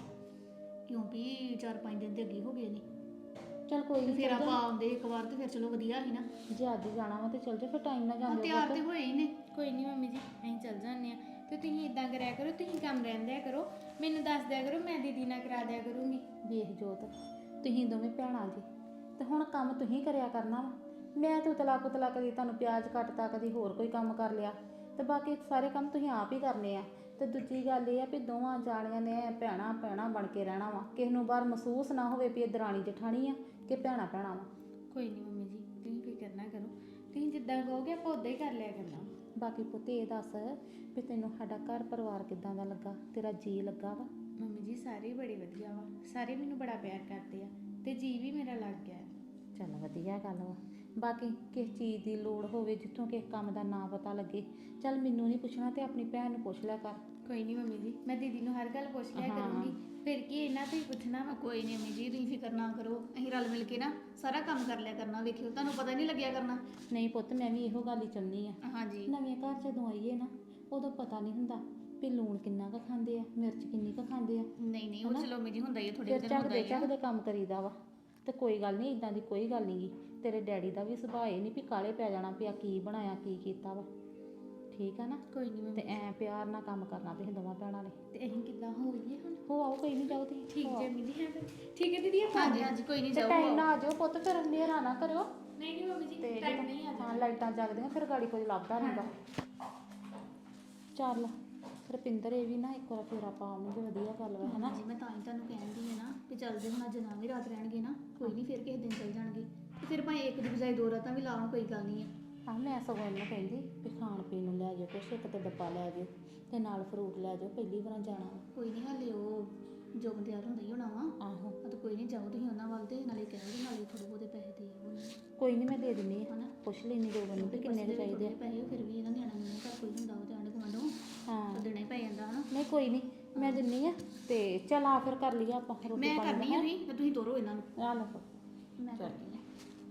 [SPEAKER 5] ਕਿਉਂਕਿ ਚਾਰ ਪੰਜ ਦਿਨ ਤੇ ਅੱਗੇ ਹੋ ਗਏ ਨੇ।
[SPEAKER 7] ਚਲ ਕੋਈ ਨਹੀਂ,
[SPEAKER 5] ਫਿਰ ਆਪਾਂ ਆਉਂਦੇ ਇੱਕ ਵਾਰ ਤੇ ਫਿਰ ਚਲੋ ਵਧੀਆ ਸੀ ਨਾ।
[SPEAKER 7] ਜੇ ਅੱਜ ਜਾਣਾ ਵਾ ਤੇ ਚਲ ਜਾਓ, ਫਿਰ ਟਾਈਮ ਨਾਲ
[SPEAKER 5] ਹਾਂ
[SPEAKER 7] ਜਾਂਦੇ
[SPEAKER 5] ਤਿਆਰ ਤੇ ਹੋਏ ਹੀ ਨੇ।
[SPEAKER 6] ਕੋਈ ਨਹੀਂ ਮੰਮੀ ਜੀ, ਅਸੀਂ ਚੱਲ ਜਾਂਦੇ ਆ। ਤੇ ਤੁਸੀਂ ਇਦਾਂ ਕਰਿਆ ਕਰੋ, ਤੁਸੀਂ ਕੰਮ ਰਹਿਣ ਦਿਆ ਕਰੋ, ਮੈਨੂੰ ਦੱਸ ਦਿਆ ਕਰੋ, ਮੈਂ ਦੀਦੀ ਨਾਲ ਕਰਾ ਦਿਆ ਕਰੂੰਗੀ।
[SPEAKER 7] ਵੇਖ ਜੋਤ, ਤੁਸੀਂ ਦੋਵੇਂ ਭੈਣਾਂ ਜੀ, ਤੇ ਹੁਣ ਕੰਮ ਤੁਸੀਂ ਕਰਿਆ ਕਰਨਾ ਵਾ। ਮੈਂ ਤੇ ਉਤਲਾ ਪੁਤਲਾ ਕਦੀ ਤੁਹਾਨੂੰ ਪਿਆਜ਼ ਕੱਟਤਾ, ਕਦੀ ਹੋਰ ਕੋਈ ਕੰਮ ਕਰ ਲਿਆ, ਤੇ ਬਾਕੀ ਸਾਰੇ ਕੰਮ ਤੁਸੀਂ ਆਪ ਹੀ ਕਰਨੇ ਆ। ਤੇ ਦੂਜੀ ਗੱਲ ਇਹ ਆ ਵੀ ਦੋਵਾਂ ਜਾਣੀਆਂ ਨੇ ਭੈਣਾਂ ਭੈਣਾਂ ਬਣ ਕੇ ਰਹਿਣਾ ਵਾ, ਕਿਸੇ ਨੂੰ ਬਾਹਰ ਮਹਿਸੂਸ ਨਾ ਹੋਵੇ ਵੀ ਇਹ ਦਰਾਣੀ ਜਠਾਣੀ ਆ ਕਿ ਭੈਣਾਂ ਭੈਣਾਂ ਵਾ।
[SPEAKER 6] ਕੋਈ ਨਹੀਂ ਮੰਮੀ ਜੀ, ਤੁਸੀਂ ਕੋਈ ਕਰਨਾ ਕਰੋ, ਤੁਸੀਂ ਜਿੱਦਾਂ ਕਹੋਗੇ ਆਪਾਂ ਉਦਾਂ ਹੀ ਕਰ ਲਿਆ ਕਰਨਾ।
[SPEAKER 7] ਬਾਕੀ ਪੁੱਤ ਇਹ ਦੱਸ ਵੀ ਤੈਨੂੰ ਸਾਡਾ ਘਰ ਪਰਿਵਾਰ ਕਿੱਦਾਂ ਦਾ ਲੱਗਾ, ਤੇਰਾ ਜੀ ਲੱਗਾ ਵਾ?
[SPEAKER 6] ਮੰਮੀ ਜੀ ਸਾਰੇ ਬੜੇ ਵਧੀਆ ਵਾ, ਸਾਰੇ ਮੈਨੂੰ ਬੜਾ ਪਿਆਰ ਕਰਦੇ ਆ ਤੇ ਜੀ ਵੀ ਮੇਰਾ ਲੱਗ ਗਿਆ।
[SPEAKER 7] ਚੱਲ ਵਧੀਆ ਗੱਲ ਵਾ। ਬਾਕੀ ਕਿਸ ਚੀਜ਼ ਦੀ ਲੋੜ ਹੋਵੇ, ਜਿੱਥੋਂ ਕਿਸੇ ਕੰਮ ਦਾ ਨਾਂ ਪਤਾ ਲੱਗੇ, ਚੱਲ ਮੈਨੂੰ ਨਹੀਂ ਪੁੱਛਣਾ ਤੇ ਆਪਣੀ ਭੈਣ ਨੂੰ ਪੁੱਛ ਲਿਆ ਕਰ।
[SPEAKER 6] ਕੋਈ ਨਹੀਂ ਮੰਮੀ ਜੀ, ਮੈਂ ਦੀਦੀ ਨੂੰ ਹਰ ਗੱਲ ਪੁੱਛ ਲਿਆ ਕਰੂੰਗੀ, ਫਿਰ ਕੀ ਇਹਨਾਂ ਤੋਂ ਹੀ ਪੁੱਛਣਾ ਵਾ।
[SPEAKER 5] ਕੋਈ ਨਹੀਂ ਮੰਮੀ ਜੀ, ਤੁਸੀਂ ਫਿਕਰ ਨਾ ਕਰੋ, ਅਸੀਂ ਰਲ ਮਿਲ ਕੇ ਨਾ ਸਾਰਾ ਕੰਮ ਕਰ ਲਿਆ ਕਰਨਾ। ਵੇਖਿਓ ਤੁਹਾਨੂੰ ਪਤਾ ਨਹੀਂ ਲੱਗਿਆ ਕਰਨਾ।
[SPEAKER 7] ਨਹੀਂ ਪੁੱਤ, ਮੈਂ ਵੀ ਇਹੋ ਗੱਲ ਹੀ ਚਾਹੁੰਦੀ ਆ।
[SPEAKER 5] ਹਾਂਜੀ
[SPEAKER 7] ਨਵੇਂ ਘਰ ਜਦੋਂ ਆਈਏ ਨਾ, ਉਦੋਂ ਪਤਾ ਨਹੀਂ ਹੁੰਦਾ ਵੀ ਲੂਣ ਕਿੰਨਾ ਕੁ ਖਾਂਦੇ ਆ, ਮਿਰਚ ਕਿੰਨੀ ਕੁ ਖਾਂਦੇ ਆ।
[SPEAKER 5] ਨਹੀਂ ਨਹੀਂ ਉਹ ਚਲੋ ਮੰਮੀ ਜੀ ਹੁੰਦਾ ਹੀ ਆ, ਥੋੜੇ
[SPEAKER 7] ਫਿਰ
[SPEAKER 5] ਦਿਨ ਹੁੰਦਾ
[SPEAKER 7] ਝੱਕਦੇ
[SPEAKER 5] ਹੀ ਆ।
[SPEAKER 7] ਝੱਕਦੇ ਕੰਮ ਕਰੀਦਾ ਵਾ। ਤੇ ਕੋਈ ਗੱਲ ਨਹੀਂ, ਇਦਾਂ ਦੀ ਕੋਈ ਗੱਲ ਨਹੀਂ ਗੀ। ਤੇਰੇ ਡੈਡੀ ਦਾ ਵੀ ਸੁਭਾਅ ਇਹ ਨਹੀਂ ਵੀ ਕਾਲੇ ਪੈ ਜਾਣਾ ਵੀ ਆ ਕੀ ਬਣਾਇਆ ਕੀ ਕੀਤਾ ਵਾ, ਠੀਕ ਆ ਨਾ?
[SPEAKER 6] ਕੋਈ ਨਹੀਂ
[SPEAKER 7] ਤੇ
[SPEAKER 6] ਮੰਮੀ,
[SPEAKER 7] ਐ ਪਿਆਰ ਨਾਲ ਕੰਮ ਕਰਨਾ ਤੁਸੀਂ ਦੋਵਾਂ ਭੈਣਾਂ ਨੇ।
[SPEAKER 6] ਤੇ ਅਸੀਂ ਕਿੱਦਾਂ ਹੋਈਏ ਹੁਣ?
[SPEAKER 7] ਹੋ ਆਓ, ਕੋਈ ਨਹੀਂ, ਜਾਓ ਤੁਸੀਂ।
[SPEAKER 6] ਠੀਕ
[SPEAKER 7] ਹੋ
[SPEAKER 6] ਜੇ
[SPEAKER 7] ਆਓ।
[SPEAKER 6] ਮੰਮੀ ਜੀ, ਹੈ ਫਿਰ ਠੀਕ ਹੈ ਦੀਦੀ, ਆਪਾਂ
[SPEAKER 5] ਹਾਂਜੀ ਹਾਂਜੀ ਕੋਈ ਨਹੀਂ
[SPEAKER 7] ਤੇ
[SPEAKER 5] ਜਾਓ।
[SPEAKER 7] ਟਾਈਮ ਨਾਲ ਆ ਜਾਓ ਪੁੱਤ, ਫਿਰ ਹਨੇਰਾ ਨਾ ਕਰਿਓ।
[SPEAKER 6] ਨਹੀਂ ਨਹੀਂ ਮੰਮੀ ਜੀ,
[SPEAKER 7] ਤੇ
[SPEAKER 6] ਟਾਈਮ ਨਹੀਂ ਆ
[SPEAKER 7] ਹਾਂ, ਲਾਈਟਾਂ ਜਗਦੀਆਂ, ਫਿਰ ਗਾੜੀ ਕੋਈ ਲੱਭਦਾ ਨਹੀਂਗਾ। ਚੱਲ ਰੁਪਿੰਦਰ, ਇਹ ਵੀ ਨਾ ਇੱਕ ਵਾਰ ਫੇਰਾ ਪਾਉਣਗੇ, ਵਧੀਆ ਗੱਲ ਵਾ ਹਨਾ।
[SPEAKER 5] ਜੀ ਮੈਂ ਤਾਂ ਹੀ ਤੁਹਾਨੂੰ ਕਹਿੰਦੀ ਹੈ ਨਾ ਵੀ ਚੱਲ ਜੇ ਹੁਣ ਅੱਜ ਨਾ ਵੀ ਰਾਤ ਰਹਿਣਗੇ ਨਾ, ਕੋਈ ਨਹੀਂ ਫਿਰ ਕਿਸੇ ਦਿਨ ਚੱਲ ਜਾਣਗੇ। ਤੇ ਫਿਰ ਭਾਵੇਂ ਇੱਕ ਦੀ ਬਜਾਏ ਦੋ ਰਾਤਾਂ ਵੀ ਲਾਉਣ, ਕੋਈ ਗੱਲ ਨਹੀਂ ਹੈ।
[SPEAKER 7] ਆਹ ਮੈਂ ਸਗੋਂ ਇਹਨੂੰ ਕਹਿੰਦੀ ਵੀ ਖਾਣ ਪੀਣ ਨੂੰ ਲੈ ਜਾਓ ਕੁਛ, ਇੱਕ ਤੇ ਡੱਬਾ ਲੈ ਜਾਓ ਤੇ ਨਾਲ ਫਰੂਟ ਲੈ ਜਾਓ, ਪਹਿਲੀ ਵਾਰ ਜਾਣਾ ਵਾ।
[SPEAKER 5] ਕੋਈ ਨਹੀਂ ਹਾਲੇ ਉਹ ਜੋ ਤਿਆਰ ਹੁੰਦਾ ਹੀ ਹੋਣਾ ਵਾ।
[SPEAKER 7] ਆਹੋ
[SPEAKER 5] ਆ ਤਾਂ ਕੋਈ ਨਹੀਂ, ਜਾਓ ਤੁਸੀਂ ਉਹਨਾਂ ਵੱਲ ਤੇ ਨਾਲੇ ਕਹਿ ਦਿਓ, ਨਾਲੇ ਥੋੜੇ ਬਹੁਤੇ ਪੈਸੇ ਦੇ ਆਓ।
[SPEAKER 7] ਕੋਈ ਨਹੀਂ, ਮੈਂ ਦੇ ਦਿੰਦੀ ਹਾਂ,
[SPEAKER 5] ਹਨਾ?
[SPEAKER 7] ਪੁੱਛ ਲੈਣੀ ਦੋ ਬੰਦੇ ਵੀ ਕਿੰਨੇ ਕੁ ਚਾਹੀਦੇ ਆ।
[SPEAKER 5] ਪੈਸੇ ਫਿਰ ਵੀ ਇਹਨਾਂ ਨਿਆਣਾ ਨੂੰ ਘਰ ਕੋਈ ਹੁੰਦਾ ਵਾ ਤੇ ਆਂਢ ਗੁਆਂਢੋਂ
[SPEAKER 7] ਹਾਂ
[SPEAKER 5] ਤਾਂ ਦੇਣਾ ਹੀ ਪੈ ਜਾਂਦਾ ਹਨਾ।
[SPEAKER 7] ਨਹੀਂ ਕੋਈ ਨਹੀਂ, ਮੈਂ ਦਿੰਨੀ ਆ। ਤੇ ਚੱਲ ਆ ਫਿਰ ਕਰ ਲਈਏ ਆਪਾਂ ਰੋਟੀ
[SPEAKER 5] ਮੈਂ
[SPEAKER 7] ਪਾਣੀ
[SPEAKER 5] ਕਰਨੀ ਆ ਵੀ ਤੇ ਤੁਸੀਂ ਤੋਰੋ ਇਹਨਾਂ ਨੂੰ।
[SPEAKER 7] ਆ ਲਓ।
[SPEAKER 5] ਮੈਂ ਕਰਦੀ ਆ।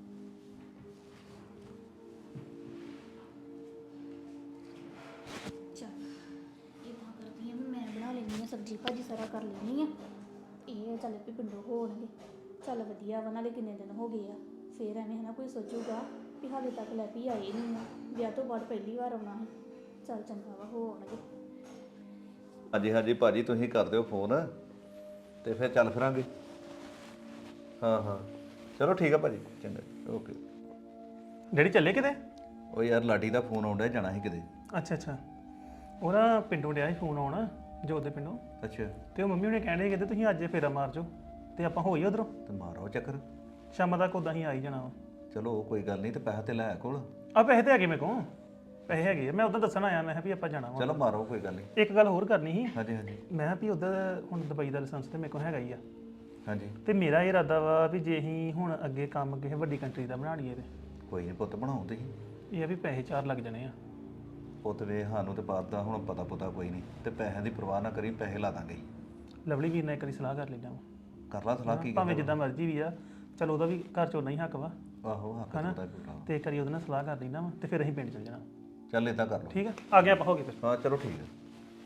[SPEAKER 5] ਚੱਲ ਇਹ ਤਾਂ ਕਰਦੀ ਆ ਵੀ ਮੈਂ ਬਣਾ ਲੈਂਦੀ ਆ, ਸਬਜ਼ੀ ਭਾਜੀ ਸਾਰਾ ਕਰ ਲੈਂਦੀ ਆ। ਇਹ ਚੱਲ ਵੀ ਪਿੰਡੋਂ ਹੋਣਗੇ, ਚੱਲ ਵਧੀਆ ਵਾ। ਨਾਲੇ ਕਿੰਨੇ ਦਿਨ ਹੋ ਗਏ ਆ, ਫੇਰ ਐਵੇਂ ਹਨਾ ਕੋਈ ਸੋਚੂਗਾ ਵੀ ਹਾਲੇ ਤੱਕ ਲੈ ਵੀ ਆਏ ਨਹੀਂ ਆ, ਵਿਆਹ ਤੋਂ ਬਾਅਦ ਪਹਿਲੀ ਵਾਰ ਆਉਣਾ ਹੈ। ਚੱਲ ਚੰਗਾ ਵਾ, ਹੋ ਆਉਣਗੇ।
[SPEAKER 3] ਹਾਂਜੀ ਹਾਂਜੀ ਭਾਜੀ, ਤੁਸੀਂ ਕਰ ਦਿਓ ਫੋਨ ਤੇ ਫਿਰ ਚੱਲ ਫਿਰਾਂਗੇ। ਹਾਂ ਹਾਂ ਚਲੋ ਠੀਕ ਆ ਭਾਜੀ, ਚੰਗਾ ਓਕੇ।
[SPEAKER 2] ਡੈਡੀ ਚੱਲੇ ਕਿਤੇ?
[SPEAKER 3] ਉਹ ਯਾਰ ਲਾਡੀ ਦਾ ਫੋਨ ਆਉਂਦਾ ਜਾਣਾ ਸੀ ਕਿਤੇ।
[SPEAKER 2] ਅੱਛਾ ਅੱਛਾ, ਉਹ ਨਾ ਪਿੰਡੋਂ ਡਿਆ ਸੀ ਫੋਨ ਆਉਣਾ, ਜੋਤ ਦੇ ਪਿੰਡੋਂ।
[SPEAKER 3] ਅੱਛਾ
[SPEAKER 2] ਤੇ ਉਹ ਮੰਮੀ ਹੁਣੇ ਕਹਿੰਦੇ ਕਹਿੰਦੇ ਤੁਸੀਂ ਅੱਜ ਫੇਰਾ ਮਾਰ ਜਾਓ ਤੇ ਆਪਾਂ ਹੋਈ ਉਧਰੋਂ
[SPEAKER 3] ਤੇ ਮਾਰੋ ਚੱਕਰ।
[SPEAKER 2] ਸ਼ਾਮ ਤੱਕ ਉਦਾਂ ਹੀ ਆ ਹੀ ਜਾਣਾ ਵਾ।
[SPEAKER 3] ਚਲੋ ਕੋਈ ਗੱਲ ਨਹੀਂ, ਤੇ ਪੈਸਾ ਤੇ ਲੈ ਕੋਲ।
[SPEAKER 2] ਆ ਪੈਸੇ ਤੇ ਹੈਗੇ ਮੇਰੇ ਕੋਲ, ਪੈਸੇ ਹੈਗੇ ਆ। ਮੈਂ ਉਦੋਂ ਦੱਸਣ ਆਇਆ, ਮੈਂ ਕਿਹਾ ਵੀ ਆਪਾਂ ਜਾਣਾ ਵਾ।
[SPEAKER 3] ਚਲੋ ਮਾਰੋ ਕੋਈ ਗੱਲ ਨਹੀਂ।
[SPEAKER 2] ਇੱਕ ਗੱਲ ਹੋਰ ਕਰਨੀ ਸੀ,
[SPEAKER 3] ਹਾਂਜੀ ਹਾਂਜੀ
[SPEAKER 2] ਮੈਂ ਕਿਹਾ ਵੀ ਉਧਰ ਹੁਣ ਦੁਬਈ ਦਾ ਲਾਇਸੈਂਸ ਤੇ ਮੇਰੇ ਕੋਲ ਹੈਗਾ ਹੀ ਆ,
[SPEAKER 3] ਹਾਂਜੀ
[SPEAKER 2] ਤੇ ਮੇਰਾ ਇਹ ਇਰਾਦਾ ਵਾ ਵੀ ਜੇ ਅਸੀਂ ਹੁਣ ਅੱਗੇ ਕੰਮ ਕਿਸੇ ਵੱਡੀ ਕੰਟਰੀ ਦਾ ਬਣਾ ਲਈਏ ਤੇ
[SPEAKER 3] ਕੋਈ ਨਹੀਂ ਪੁੱਤ, ਬਣਾਓ ਤੁਸੀਂ।
[SPEAKER 2] ਇਹ ਆ ਵੀ ਪੈਸੇ ਚਾਰ ਲੱਗ ਜਾਣੇ ਆ।
[SPEAKER 3] ਪੁੱਤ ਵੇ ਸਾਨੂੰ ਤੇ ਬਾਤ ਦਾ ਹੁਣ ਪਤਾ ਪੁੱਤਾ ਕੋਈ ਨਹੀਂ, ਤੇ ਪੈਸਿਆਂ ਦੀ ਪਰਵਾਹ ਨਾ ਕਰੀ, ਪੈਸੇ ਲਾ ਦਾਂਗੇ।
[SPEAKER 2] ਲਵਲੀ ਵੀਰ ਨਾਲ ਇੱਕ ਵਾਰੀ ਸਲਾਹ ਕਰ ਲੈਣਾ ਵਾ,
[SPEAKER 3] ਕਰ ਲਾ ਸਲਾਹ ਕੀ
[SPEAKER 2] ਭਾਵੇਂ ਜਿੱਦਾਂ ਮਰਜ਼ੀ ਵੀ ਆ, ਚਲ ਉਹਦਾ ਵੀ ਘਰ ਚੋਂ ਨਹੀਂ ਹੱਕ ਵਾ,
[SPEAKER 3] ਆਹੋ ਹੱਕ
[SPEAKER 2] ਹਨਾ?
[SPEAKER 3] ਦਾ ਪੂਰਾ।
[SPEAKER 2] ਤੇ ਇੱਕ ਵਾਰੀ ਉਹਦੇ ਨਾਲ ਸਲਾਹ ਕਰ ਲੈਣਾ ਵਾ, ਤੇ ਫਿਰ ਅਸੀਂ ਪਿੰਡ ਚਲ ਜਾਣਾ।
[SPEAKER 3] ਚੱਲ ਇਦਾਂ ਕਰ ਲਓ।
[SPEAKER 2] ਠੀਕ ਆ, ਆ ਗਏ ਆਪਾਂ, ਹੋ ਗਏ ਫਿਰ।
[SPEAKER 3] ਹਾਂ ਚਲੋ ਠੀਕ ਹੈ।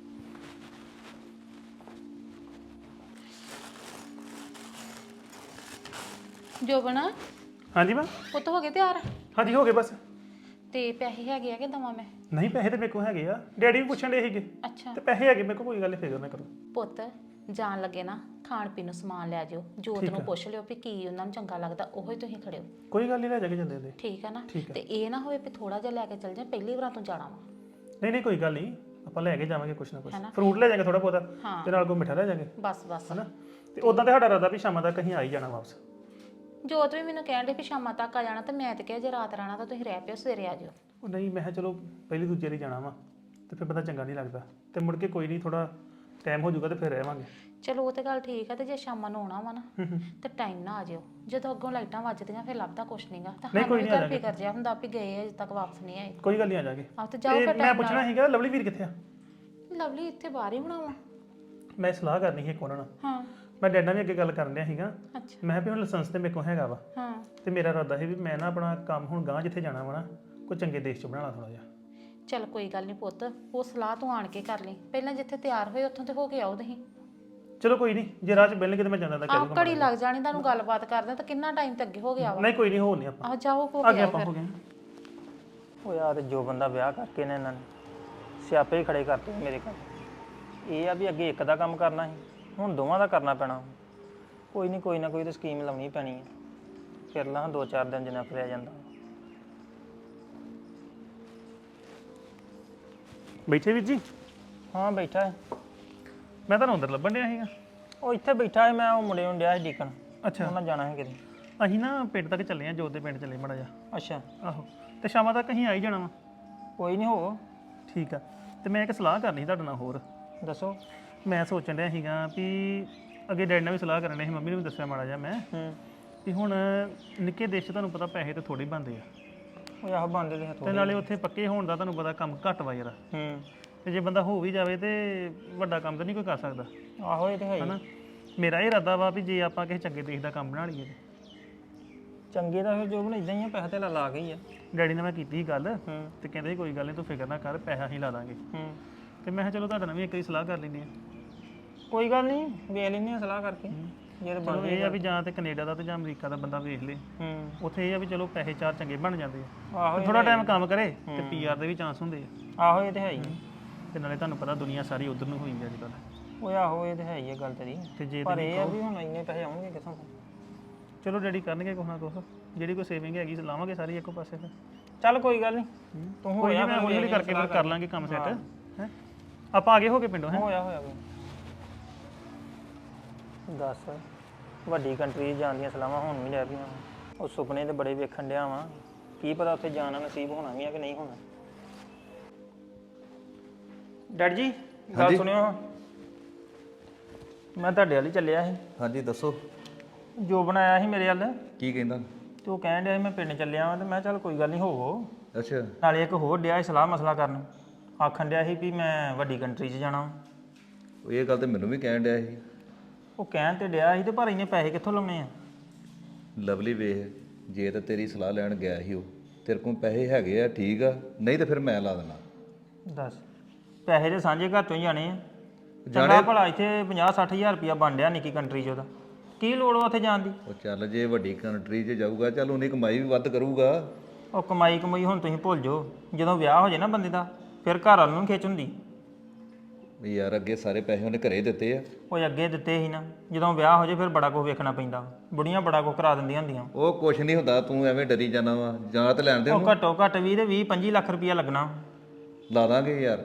[SPEAKER 7] ਜੋਬਨ
[SPEAKER 2] ਹਾਂਜੀ ਮੈਂ
[SPEAKER 7] ਪੁੱਤ ਹੋ ਗਏ ਤਿਆਰ?
[SPEAKER 2] ਹਾਂਜੀ ਹੋ ਗਏ ਬਸ।
[SPEAKER 7] ਤੇ ਪੈਸੇ ਹੈਗੇ ਆ ਕਿ ਦਵਾਂ ਮੈਂ?
[SPEAKER 2] ਨਹੀਂ ਪੈਸੇ ਤੇ ਮੇਰੇ ਕੋਲ ਹੈਗੇ ਆ, ਡੈਡੀ ਵੀ ਪੁੱਛਣ ਦੇ ਸੀਗੇ,
[SPEAKER 7] ਅੱਛਾ
[SPEAKER 2] ਤੇ ਪੈਸੇ ਹੈਗੇ ਮੇਰੇ ਕੋਲ, ਕੋਈ ਗੱਲ ਨਹੀਂ, ਫਿਕਰ ਨਾ ਕਰੋ।
[SPEAKER 7] ਪੁੱਤ ਜਾਣ ਲੱਗੇ ਨਾ ਖਾਣ ਪੀਣ ਨੂੰ ਸਮਾਨ ਲੈ ਜਿਓ, ਜੋਤ ਨੂੰ ਪੁੱਛ ਲਿਓ ਵੀ ਕੀ ਉਹਨਾਂ ਨੂੰ ਚੰਗਾ ਲੱਗਦਾ, ਉਹੋ ਹੀ ਤੁਸੀਂ ਖੜਿਓ।
[SPEAKER 2] ਕੋਈ ਗੱਲ ਨਹੀਂ, ਲੈ ਜਾ ਕੇ ਜਾਂਦੇ ਹੁੰਦੇ।
[SPEAKER 7] ਠੀਕ ਹੈ ਨਾ?
[SPEAKER 2] ਠੀਕ ਹੈ।
[SPEAKER 7] ਤੇ ਇਹ ਨਾ ਹੋਵੇ ਵੀ ਥੋੜਾ ਜਿਹਾ ਲੈ ਕੇ ਚੱਲ ਜਾ, ਪਹਿਲੀ ਵਾਰ ਤੂੰ ਜਾਣਾ ਵਾ।
[SPEAKER 2] ਨਹੀਂ ਨਹੀਂ ਕੋਈ ਗੱਲ ਨਹੀਂ, ਆਪਾਂ ਲੈ ਕੇ ਜਾਵਾਂਗੇ ਕੁਛ ਨਾ ਕੁਛ,
[SPEAKER 7] ਹੈਨਾ?
[SPEAKER 2] ਫਰੂਟ ਲੈ ਜਾਵਾਂਗੇ ਥੋੜਾ ਬਹੁਤਾ,
[SPEAKER 7] ਹਾਂ।
[SPEAKER 2] ਤੇ ਨਾਲ ਕੋਈ ਮਿੱਠਾ ਲੈ ਜਾਵਾਂਗੇ,
[SPEAKER 7] ਬਸ ਬਸ
[SPEAKER 2] ਹਨਾ? ਤੇ ਉਦਾਂ ਤੇ ਸਾਡਾ ਇਰਾਦਾ ਵੀ ਸ਼ਾਮਾਂ ਤੱਕ ਅਸੀਂ ਆ ਹੀ ਜਾਣਾ ਵਾਪਸ।
[SPEAKER 7] ਜੋਤ ਵੀ ਮੈਨੂੰ ਕਹਿਣ ਦੇ ਵੀ ਸ਼ਾਮਾਂ ਤੱਕ ਆ ਜਾਣਾ, ਤੇ ਮੈਂ ਤੇ ਕਿਹਾ ਜੇ ਰਾਤ ਰਹਿਣਾ ਤਾਂ ਤੁਸੀਂ ਰਹਿ ਪਿਓ, ਸਵੇਰੇ ਆ ਜਿਓ।
[SPEAKER 2] ਉਹ ਨਹੀਂ, ਮੈਂ ਕਿਹਾ ਚਲੋ ਪਹਿਲੀ ਦੂਜੇ ਵਾਰੀ ਜਾਣਾ ਵਾ, ਤੇ ਫਿਰ ਪਤਾ ਚੰਗਾ ਨਹੀਂ ਲੱਗਦਾ, ਤੇ ਮੁੜ ਕੇ ਕੋਈ ਨਹੀਂ, ਥੋੜਾ ਟਾਈਮ ਹੋ ਜਾਊਗਾ ਤੇ ਫਿਰ ਰਹਿਵਾਂਗੇ।
[SPEAKER 7] ਚਲੋ ਉਹ ਤੇ ਗੱਲ ਠੀਕ ਆ, ਤੇ ਜੇ ਸ਼ਾਮਾਂ ਨੂੰ ਆਉਣਾ ਵਾ ਨਾ ਤੇ ਟਾਈਮ ਨਾ ਆ ਜਿਓ, ਜਦੋਂ ਅੱਗੋਂ ਲਾਈਟਾਂ ਵੱਜਦੀਆਂ ਫਿਰ ਲੱਭਦਾ ਕੁਛ ਨਹੀਂਗਾ, ਤਾਂ
[SPEAKER 2] ਨਹੀਂ, ਕੋਈ
[SPEAKER 7] ਸਾਨੂੰ
[SPEAKER 2] ਨਹੀਂ, ਆ
[SPEAKER 7] ਵੀ ਫਿਕਰ ਜਿਹਾ ਹੁੰਦਾ ਵੀ ਗਏ ਅਜੇ ਤੱਕ ਵਾਪਸ ਨਹੀਂ ਆਏ।
[SPEAKER 2] ਕੋਈ ਗੱਲ ਨਹੀਂ, ਆ ਜਾਗੇ।
[SPEAKER 7] ਆਹ ਤੇ ਜਾਓ ਫਿਰ
[SPEAKER 2] ਮੈਂ
[SPEAKER 7] time
[SPEAKER 2] ਪੁੱਛਣਾ ਸੀਗਾ ਲਵਲੀ ਵੀਰ ਕਿੱਥੇ ਆ?
[SPEAKER 7] ਲਵਲੀ ਇੱਥੇ ਬਾਹਰ ਹੀ ਹੋਣਾ ਵਾ।
[SPEAKER 2] ਮੈਂ ਸਲਾਹ ਕਰਨੀ ਸੀ ਇੱਕ ਉਹਨਾਂ ਨਾਲ,
[SPEAKER 7] ਹਾਂ
[SPEAKER 2] ਮੈਂ ਡੈਡ ਨਾਲ ਵੀ ਅੱਗੇ ਗੱਲ ਕਰਨ ਡਿਆ ਸੀਗਾ।
[SPEAKER 7] ਅੱਛਾ
[SPEAKER 2] ਮੈਂ ਕਿਹਾ ਵੀ ਹੁਣ ਲਾਇਸੈਂਸ ਤੇ ਮੇਰੇ ਕੋਲ ਹੈਗਾ ਵਾ,
[SPEAKER 7] ਹਾਂ
[SPEAKER 2] ਤੇ ਮੇਰਾ ਇਰਾਦਾ ਸੀ ਵੀ ਮੈਂ ਨਾ ਆਪਣਾ ਕੰਮ ਹੁਣ ਗਾਂ ਜਿੱਥੇ ਜਾਣਾ ਵਾ ਨਾ, ਕੋਈ ਚੰਗੇ ਦੇਸ਼ 'ਚ ਬਣਾਉਣਾ ਥੋੜਾ ਜਿਹਾ।
[SPEAKER 7] ਚੱਲ ਕੋਈ ਗੱਲ ਨਹੀਂ ਪੁੱਤ, ਉਹ ਸਲਾਹ ਤੂੰ ਆਣ ਕੇ ਕਰ ਲਈ, ਪਹਿਲਾਂ ਜਿੱਥੇ ਤਿਆਰ ਹੋਏ ਉੱਥੋਂ ਤੇ ਹੋ ਕੇ ਆਓ ਤੁਸੀਂ।
[SPEAKER 2] ਚਲੋ ਕੋਈ ਨਹੀਂ, ਜੇ ਰਾਹ 'ਚ ਮਿਲਣਗੇ ਤੇ ਮੈਂ ਜਾਂਦਾ ਤਾਂ
[SPEAKER 7] ਆਹ
[SPEAKER 2] ਕਰੂੰਗਾ।
[SPEAKER 7] ਘੜੀ ਲੱਗ ਜਾਣੀ ਤੁਹਾਨੂੰ ਗੱਲਬਾਤ ਕਰਦੇ, ਤਾਂ ਕਿੰਨਾ ਟਾਈਮ ਤੇ ਅੱਗੇ ਹੋ ਗਿਆ ਵਾ।
[SPEAKER 2] ਨਹੀਂ ਕੋਈ ਨਹੀਂ, ਹੋਰ ਨਹੀਂ ਆਪਾਂ
[SPEAKER 7] ਆਹ ਜਾਓ ਹੋ
[SPEAKER 2] ਅੱਗੇ
[SPEAKER 7] ਗਿਆ
[SPEAKER 2] ਆਪਾਂ ਹੋ
[SPEAKER 7] ਫਿਰ।
[SPEAKER 2] ਗਏ।
[SPEAKER 1] ਉਹ ਯਾਰ ਜੋ ਬੰਦਾ ਵਿਆਹ ਕਰਕੇ ਨੇ ਇਹਨਾਂ ਨੇ ਸਿਆਪੇ ਹੀ ਖੜੇ ਕਰਤੇ ਮੇਰੇ ਕੋਲ। ਇਹ ਆ ਵੀ ਅੱਗੇ ਇੱਕ ਦਾ ਕੰਮ ਕਰਨਾ ਸੀ, ਹੁਣ ਦੋਵਾਂ ਦਾ ਕਰਨਾ ਪੈਣਾ। ਕੋਈ ਨਹੀਂ, ਕੋਈ ਨਾ ਕੋਈ ਤਾਂ ਸਕੀਮ ਲਾਉਣੀ ਪੈਣੀ ਹੈ। ਫਿਰ ਲਾਂ ਦੋ ਚਾਰ ਦਿਨ ਜਿੰਨਾ ਫਿਰਿਆ ਜਾਂਦਾ।
[SPEAKER 2] ਬੈਠੇ ਵੀਰ ਜੀ?
[SPEAKER 1] ਹਾਂ ਬੈਠਾ ਹੈ।
[SPEAKER 2] ਮੈਂ ਤੁਹਾਨੂੰ ਅੰਦਰ ਲੱਭਣ ਡਿਆ ਸੀਗਾ।
[SPEAKER 1] ਉਹ ਇੱਥੇ ਬੈਠਾ ਹੈ, ਮੈਂ ਉਹ ਮੁੰਡੇ ਨੂੰ ਡਿਆ ਸੀ ਡੀਕਣ।
[SPEAKER 2] ਅੱਛਾ,
[SPEAKER 1] ਉਹਨਾਂ ਜਾਣਾ ਹੈ ਕਿਤੇ।
[SPEAKER 2] ਅਸੀਂ ਨਾ ਪਿੰਡ ਤੱਕ ਚੱਲੇ ਆ, ਜੋਤ ਦੇ ਪਿੰਡ ਚੱਲੇ ਮਾੜਾ ਜਿਹਾ।
[SPEAKER 1] ਅੱਛਾ
[SPEAKER 2] ਆਹੋ, ਤੇ ਸ਼ਾਮਾਂ ਤੱਕ ਅਸੀਂ ਆ ਹੀ ਜਾਣਾ ਵਾ।
[SPEAKER 1] ਕੋਈ ਨਹੀਂ, ਹੋ
[SPEAKER 2] ਠੀਕ ਆ, ਤੇ ਮੈਂ ਇੱਕ ਸਲਾਹ ਕਰਨੀ ਸੀ ਤੁਹਾਡੇ ਨਾਲ ਹੋਰ।
[SPEAKER 1] ਦੱਸੋ।
[SPEAKER 2] ਮੈਂ ਸੋਚਣ ਡਿਆ ਸੀਗਾ ਵੀ ਅੱਗੇ ਡੈਡ ਨਾਲ ਵੀ ਸਲਾਹ ਕਰਨ ਡਿਆ ਸੀ, ਮੰਮੀ ਨੂੰ ਵੀ ਦੱਸਿਆ ਮਾੜਾ ਜਿਹਾ ਮੈਂ,
[SPEAKER 1] ਹੂੰ
[SPEAKER 2] ਵੀ ਹੁਣ ਨਿੱਕੇ ਦੇਸ਼ 'ਚ ਤੁਹਾਨੂੰ ਪਤਾ ਪੈਸੇ ਤਾਂ ਥੋੜੇ ਬਣਦੇ ਆ,
[SPEAKER 1] ਉਹ ਆਹ ਬੰਦੇ ਦੇ
[SPEAKER 2] ਤੇ
[SPEAKER 1] ਹੱਥੋਂ।
[SPEAKER 2] ਨਾਲੇ ਉੱਥੇ ਪੱਕੇ ਹੋਣ ਦਾ ਤੁਹਾਨੂੰ ਪਤਾ ਕੰਮ ਘੱਟ ਵਾ ਯਾਰ।
[SPEAKER 1] ਹੂੰ
[SPEAKER 2] ਤੇ ਜੇ ਬੰਦਾ ਹੋ ਵੀ ਜਾਵੇ ਤੇ ਵੱਡਾ ਕੰਮ ਤਾਂ ਨਹੀਂ ਕੋਈ ਕਰ ਸਕਦਾ,
[SPEAKER 1] ਆਹੋ ਇਹ ਤੇ ਹੈ ਹੀ।
[SPEAKER 2] ਹਨਾ? ਮੇਰਾ ਇਹ ਇਰਾਦਾ ਵਾ ਵੀ ਜੇ ਆਪਾਂ ਕਿਸੇ ਚੰਗੇ ਦੇਸ਼ ਦਾ ਕੰਮ ਬਣਾ ਲਈਏ ਤੇ।
[SPEAKER 1] ਚੰਗੇ ਦਾ ਫਿਰ ਜੋ ਬਣ ਇਦਾਂ ਹੀ ਆ, ਪੈਸਾ ਤੇ ਲਾ ਕੇ ਹੀ ਆ।
[SPEAKER 2] ਡੈਡੀ ਨਾਲ ਮੈਂ ਕੀਤੀ ਸੀ ਗੱਲ,
[SPEAKER 1] ਹੂੰ
[SPEAKER 2] ਤੇ ਕਹਿੰਦੇ ਸੀ ਕੋਈ ਗੱਲ ਨਹੀਂ ਤੂੰ ਫਿਕਰ ਨਾ ਕਰ, ਪੈਸਾ ਹੀ ਲਾ ਦਾਂਗੇ।
[SPEAKER 1] ਹੂੰ
[SPEAKER 2] ਤੇ ਮੈਂ ਕਿਹਾ ਚਲੋ ਤੁਹਾਡੇ ਨਾਲ ਵੀ ਇੱਕ ਵਾਰੀ ਸਲਾਹ ਕਰ ਲੈਂਦੇ ਆ।
[SPEAKER 1] ਕੋਈ ਗੱਲ ਨਹੀਂ, ਵੇਖ ਲੈਂਦੇ ਆ ਸਲਾਹ ਕਰਕੇ ਜਿਹੜੇ
[SPEAKER 2] ਚਲੋ
[SPEAKER 1] ਬਣਦੇ
[SPEAKER 2] ਇਹ ਆ ਵੀ ਜਾਂ ਤੇ ਕੈਨੇਡਾ ਦਾ ਤੇ ਜਾਂ ਅਮਰੀਕਾ ਦਾ ਬੰਦਾ ਵੇਖ ਲੇ,
[SPEAKER 1] ਹੂੰ
[SPEAKER 2] ਉੱਥੇ ਇਹ ਆ ਵੀ ਚਲੋ ਪੈਸੇ ਚਾਰ ਚੰਗੇ ਬਣ ਜਾਂਦੇ ਆ,
[SPEAKER 1] ਆਹੋ
[SPEAKER 2] ਥੋੜਾ ਟਾਈਮ ਕੰਮ ਕਰੇ ਤੇ ਪੀਆਰ ਦੇ ਵੀ ਚਾਂਸ ਹੁੰਦੇ ਆ।
[SPEAKER 1] ਆਹੋ ਇਹ ਤੇ ਹੈ ਹੀ।
[SPEAKER 2] ਤੇ ਨਾਲੇ ਤੁਹਾਨੂੰ ਪਤਾ ਦੁਨੀਆ ਸਾਰੀ ਉਧਰ ਨੂੰ ਹੋਈ ਅੱਜ ਕੱਲ੍ਹ।
[SPEAKER 1] ਉਹ ਆਹੋ ਇਹ ਤੇ ਹੈ ਹੀ ਆ ਗੱਲ ਤੇਰੀ।
[SPEAKER 2] ਤੇ ਜੇ
[SPEAKER 1] ਪਰ
[SPEAKER 2] ਤੁਸੀਂ
[SPEAKER 1] ਇਹ ਆ ਵੀ ਹੁਣ ਇੰਨੇ ਪੈਸੇ ਆਉਣਗੇ ਕਿੱਥੋਂ?
[SPEAKER 2] ਚਲੋ ਡੈਡੀ ਕਰਨਗੇ ਕੁਛ ਨਾ ਕੁਛ, ਜਿਹੜੀ ਕੋਈ ਸੇਵਿੰਗ ਹੈਗੀ ਲਾਵਾਂਗੇ ਸਾਰੀ ਇੱਕੋ ਪਾਸੇ ਫਿਰ।
[SPEAKER 1] ਚੱਲ ਕੋਈ ਗੱਲ ਨਹੀਂ, ਤੂੰ
[SPEAKER 2] ਕੋਈ
[SPEAKER 1] ਹੋਇਆ
[SPEAKER 2] ਨਹੀਂ, ਮੈਂ ਹੌਲੀ ਹੌਲੀ ਕਰਕੇ ਫਿਰ ਕਰ ਲਾਂਗੇ ਕੰਮ ਸੈੱਟ। ਹੈ ਆਪਾਂ ਆਗੇ ਹੋ ਕੇ ਪਿੰਡੋਂ। ਹੈ
[SPEAKER 1] ਹੋਇਆ ਹੋਇਆ ਕੋਈ। ਦੱਸ, ਵੱਡੀ ਕੰਟਰੀ ਜਾਣ ਦੀਆਂ ਸਲਾਹਾਂ ਹੁਣ ਵੀ ਲੈ ਪਈਆਂ। ਉਹ ਸੁਪਨੇ ਤੇ ਬੜੇ ਵੇਖਣ ਡਿਆ ਵਾਂ, ਕੀ ਪਤਾ ਉੱਥੇ ਜਾਣਾ ਨਸੀਬ ਹੋਣਾ ਵੀ ਆ ਕਿ ਨਹੀਂ ਹੋਣਾ। ਡੈਡ ਜੀ ਗੱਲ ਸੁਣਿਓ, ਮੈਂ ਤੁਹਾਡੇ ਵੱਲ ਹੀ ਚੱਲਿਆ ਸੀ।
[SPEAKER 3] ਹਾਂਜੀ ਦੱਸੋ
[SPEAKER 1] ਜੋ ਬਣਾਇਆ ਸੀ ਮੇਰੇ ਵੱਲ,
[SPEAKER 3] ਕੀ ਕਹਿੰਦਾ?
[SPEAKER 1] ਤੇ ਉਹ ਕਹਿਣ ਡਿਆ ਸੀ ਮੈਂ ਪਿੰਡ ਚੱਲਿਆ ਵਾਂ, ਤੇ ਮੈਂ ਚੱਲ ਕੋਈ ਗੱਲ ਨਹੀਂ ਹੋਵੋ।
[SPEAKER 3] ਅੱਛਾ
[SPEAKER 1] ਨਾਲੇ ਇੱਕ ਹੋਰ ਡਿਆ ਸੀ ਸਲਾਹ ਮਸਲਾ ਕਰਨ, ਆਖਣ ਡਿਆ ਸੀ ਵੀ ਮੈਂ ਵੱਡੀ ਕੰਟਰੀ 'ਚ ਜਾਣਾ।
[SPEAKER 3] ਉਹ ਇਹ ਗੱਲ ਤੇ ਮੈਨੂੰ ਵੀ ਕਹਿਣ ਡਿਆ ਸੀ।
[SPEAKER 1] ਉਹ ਕਹਿਣ ਤੇ ਡਿਆ ਸੀ, ਤੇ ਪਰ ਇੰਨੇ ਪੈਸੇ ਕਿੱਥੋਂ ਲਾਉਣੇ ਆ?
[SPEAKER 3] ਲਵਲੀ ਵੇਖ, ਜੇ ਤਾਂ ਤੇਰੀ ਸਲਾਹ ਲੈਣ ਗਿਆ ਸੀ ਉਹ, ਤੇਰੇ ਕੋਲ ਪੈਸੇ ਹੈਗੇ ਆ ਠੀਕ ਆ, ਨਹੀਂ ਤਾਂ ਫਿਰ ਮੈਂ ਲਾ ਦੇਣਾ।
[SPEAKER 1] ਦੱਸ, ਪੈਸੇ ਦੇ ਸਾਂਝੇ ਘਰ ਤੋਂ ਹੀ ਜਾਣੇ ਆ। ਚੰਗਾ ਭਲਾ ਇੱਥੇ ਪੰਜਾਹ ਸੱਠ ਹਜ਼ਾਰ ਰੁਪਇਆ ਬਣ ਡਿਆ ਨਿੱਕੀ ਕੰਟਰੀ 'ਚ, ਉਹਦਾ ਕੀ ਲੋੜ ਵਾ ਉੱਥੇ ਜਾਣ ਦੀ?
[SPEAKER 3] ਉਹ ਚੱਲ ਜੇ ਵੱਡੀ ਕੰਟਰੀ 'ਚ ਜਾਊਗਾ, ਚੱਲ ਉਹਨੇ ਕਮਾਈ ਵੀ ਵੱਧ ਕਰੂਗਾ।
[SPEAKER 1] ਉਹ ਕਮਾਈ ਕਮਾਈ ਹੁਣ ਤੁਸੀਂ ਭੁੱਲ ਜਾਓ, ਜਦੋਂ ਵਿਆਹ ਹੋ ਜਾਏ ਨਾ ਬੰਦੇ ਦਾ, ਫਿਰ ਘਰ ਵਾਲ ਨੂੰ ਖਿੱਚ ਹੁੰਦੀ।
[SPEAKER 3] ਵੀ ਯਾਰ ਅੱਗੇ ਸਾਰੇ ਪੈਸੇ ਉਹਨੇ ਘਰੇ ਦਿੱਤੇ ਆ।
[SPEAKER 1] ਉਹ ਅੱਗੇ ਦਿੱਤੇ ਸੀ ਨਾ, ਜਦੋਂ ਵਿਆਹ ਹੋ ਜੇ ਫਿਰ ਬੜਾ ਕੁਝ ਵੇਖਣਾ ਪੈਂਦਾ, ਬੁੜੀਆਂ ਬੜਾ ਕੁਝ ਕਰਾ ਦਿੰਦੀਆਂ ਹੁੰਦੀਆਂ।
[SPEAKER 3] ਉਹ ਕੁਛ ਨਹੀਂ ਹੁੰਦਾ, ਤੂੰ ਐਵੇਂ ਡਰੀ ਜਾਣਾ ਵਾ, ਜਾਂ ਤੇ ਲੈਣ ਦੇ
[SPEAKER 1] ਉਹ
[SPEAKER 3] ਉਹਨੂੰ।
[SPEAKER 1] ਘੱਟੋ ਘੱਟ ਵੀਹ ਤੇ ਵੀਹ ਪੰਜੀ ਲੱਖ ਰੁਪਇਆ ਲੱਗਣਾ।
[SPEAKER 3] ਲਾ ਦਾਂਗੇ ਯਾਰ।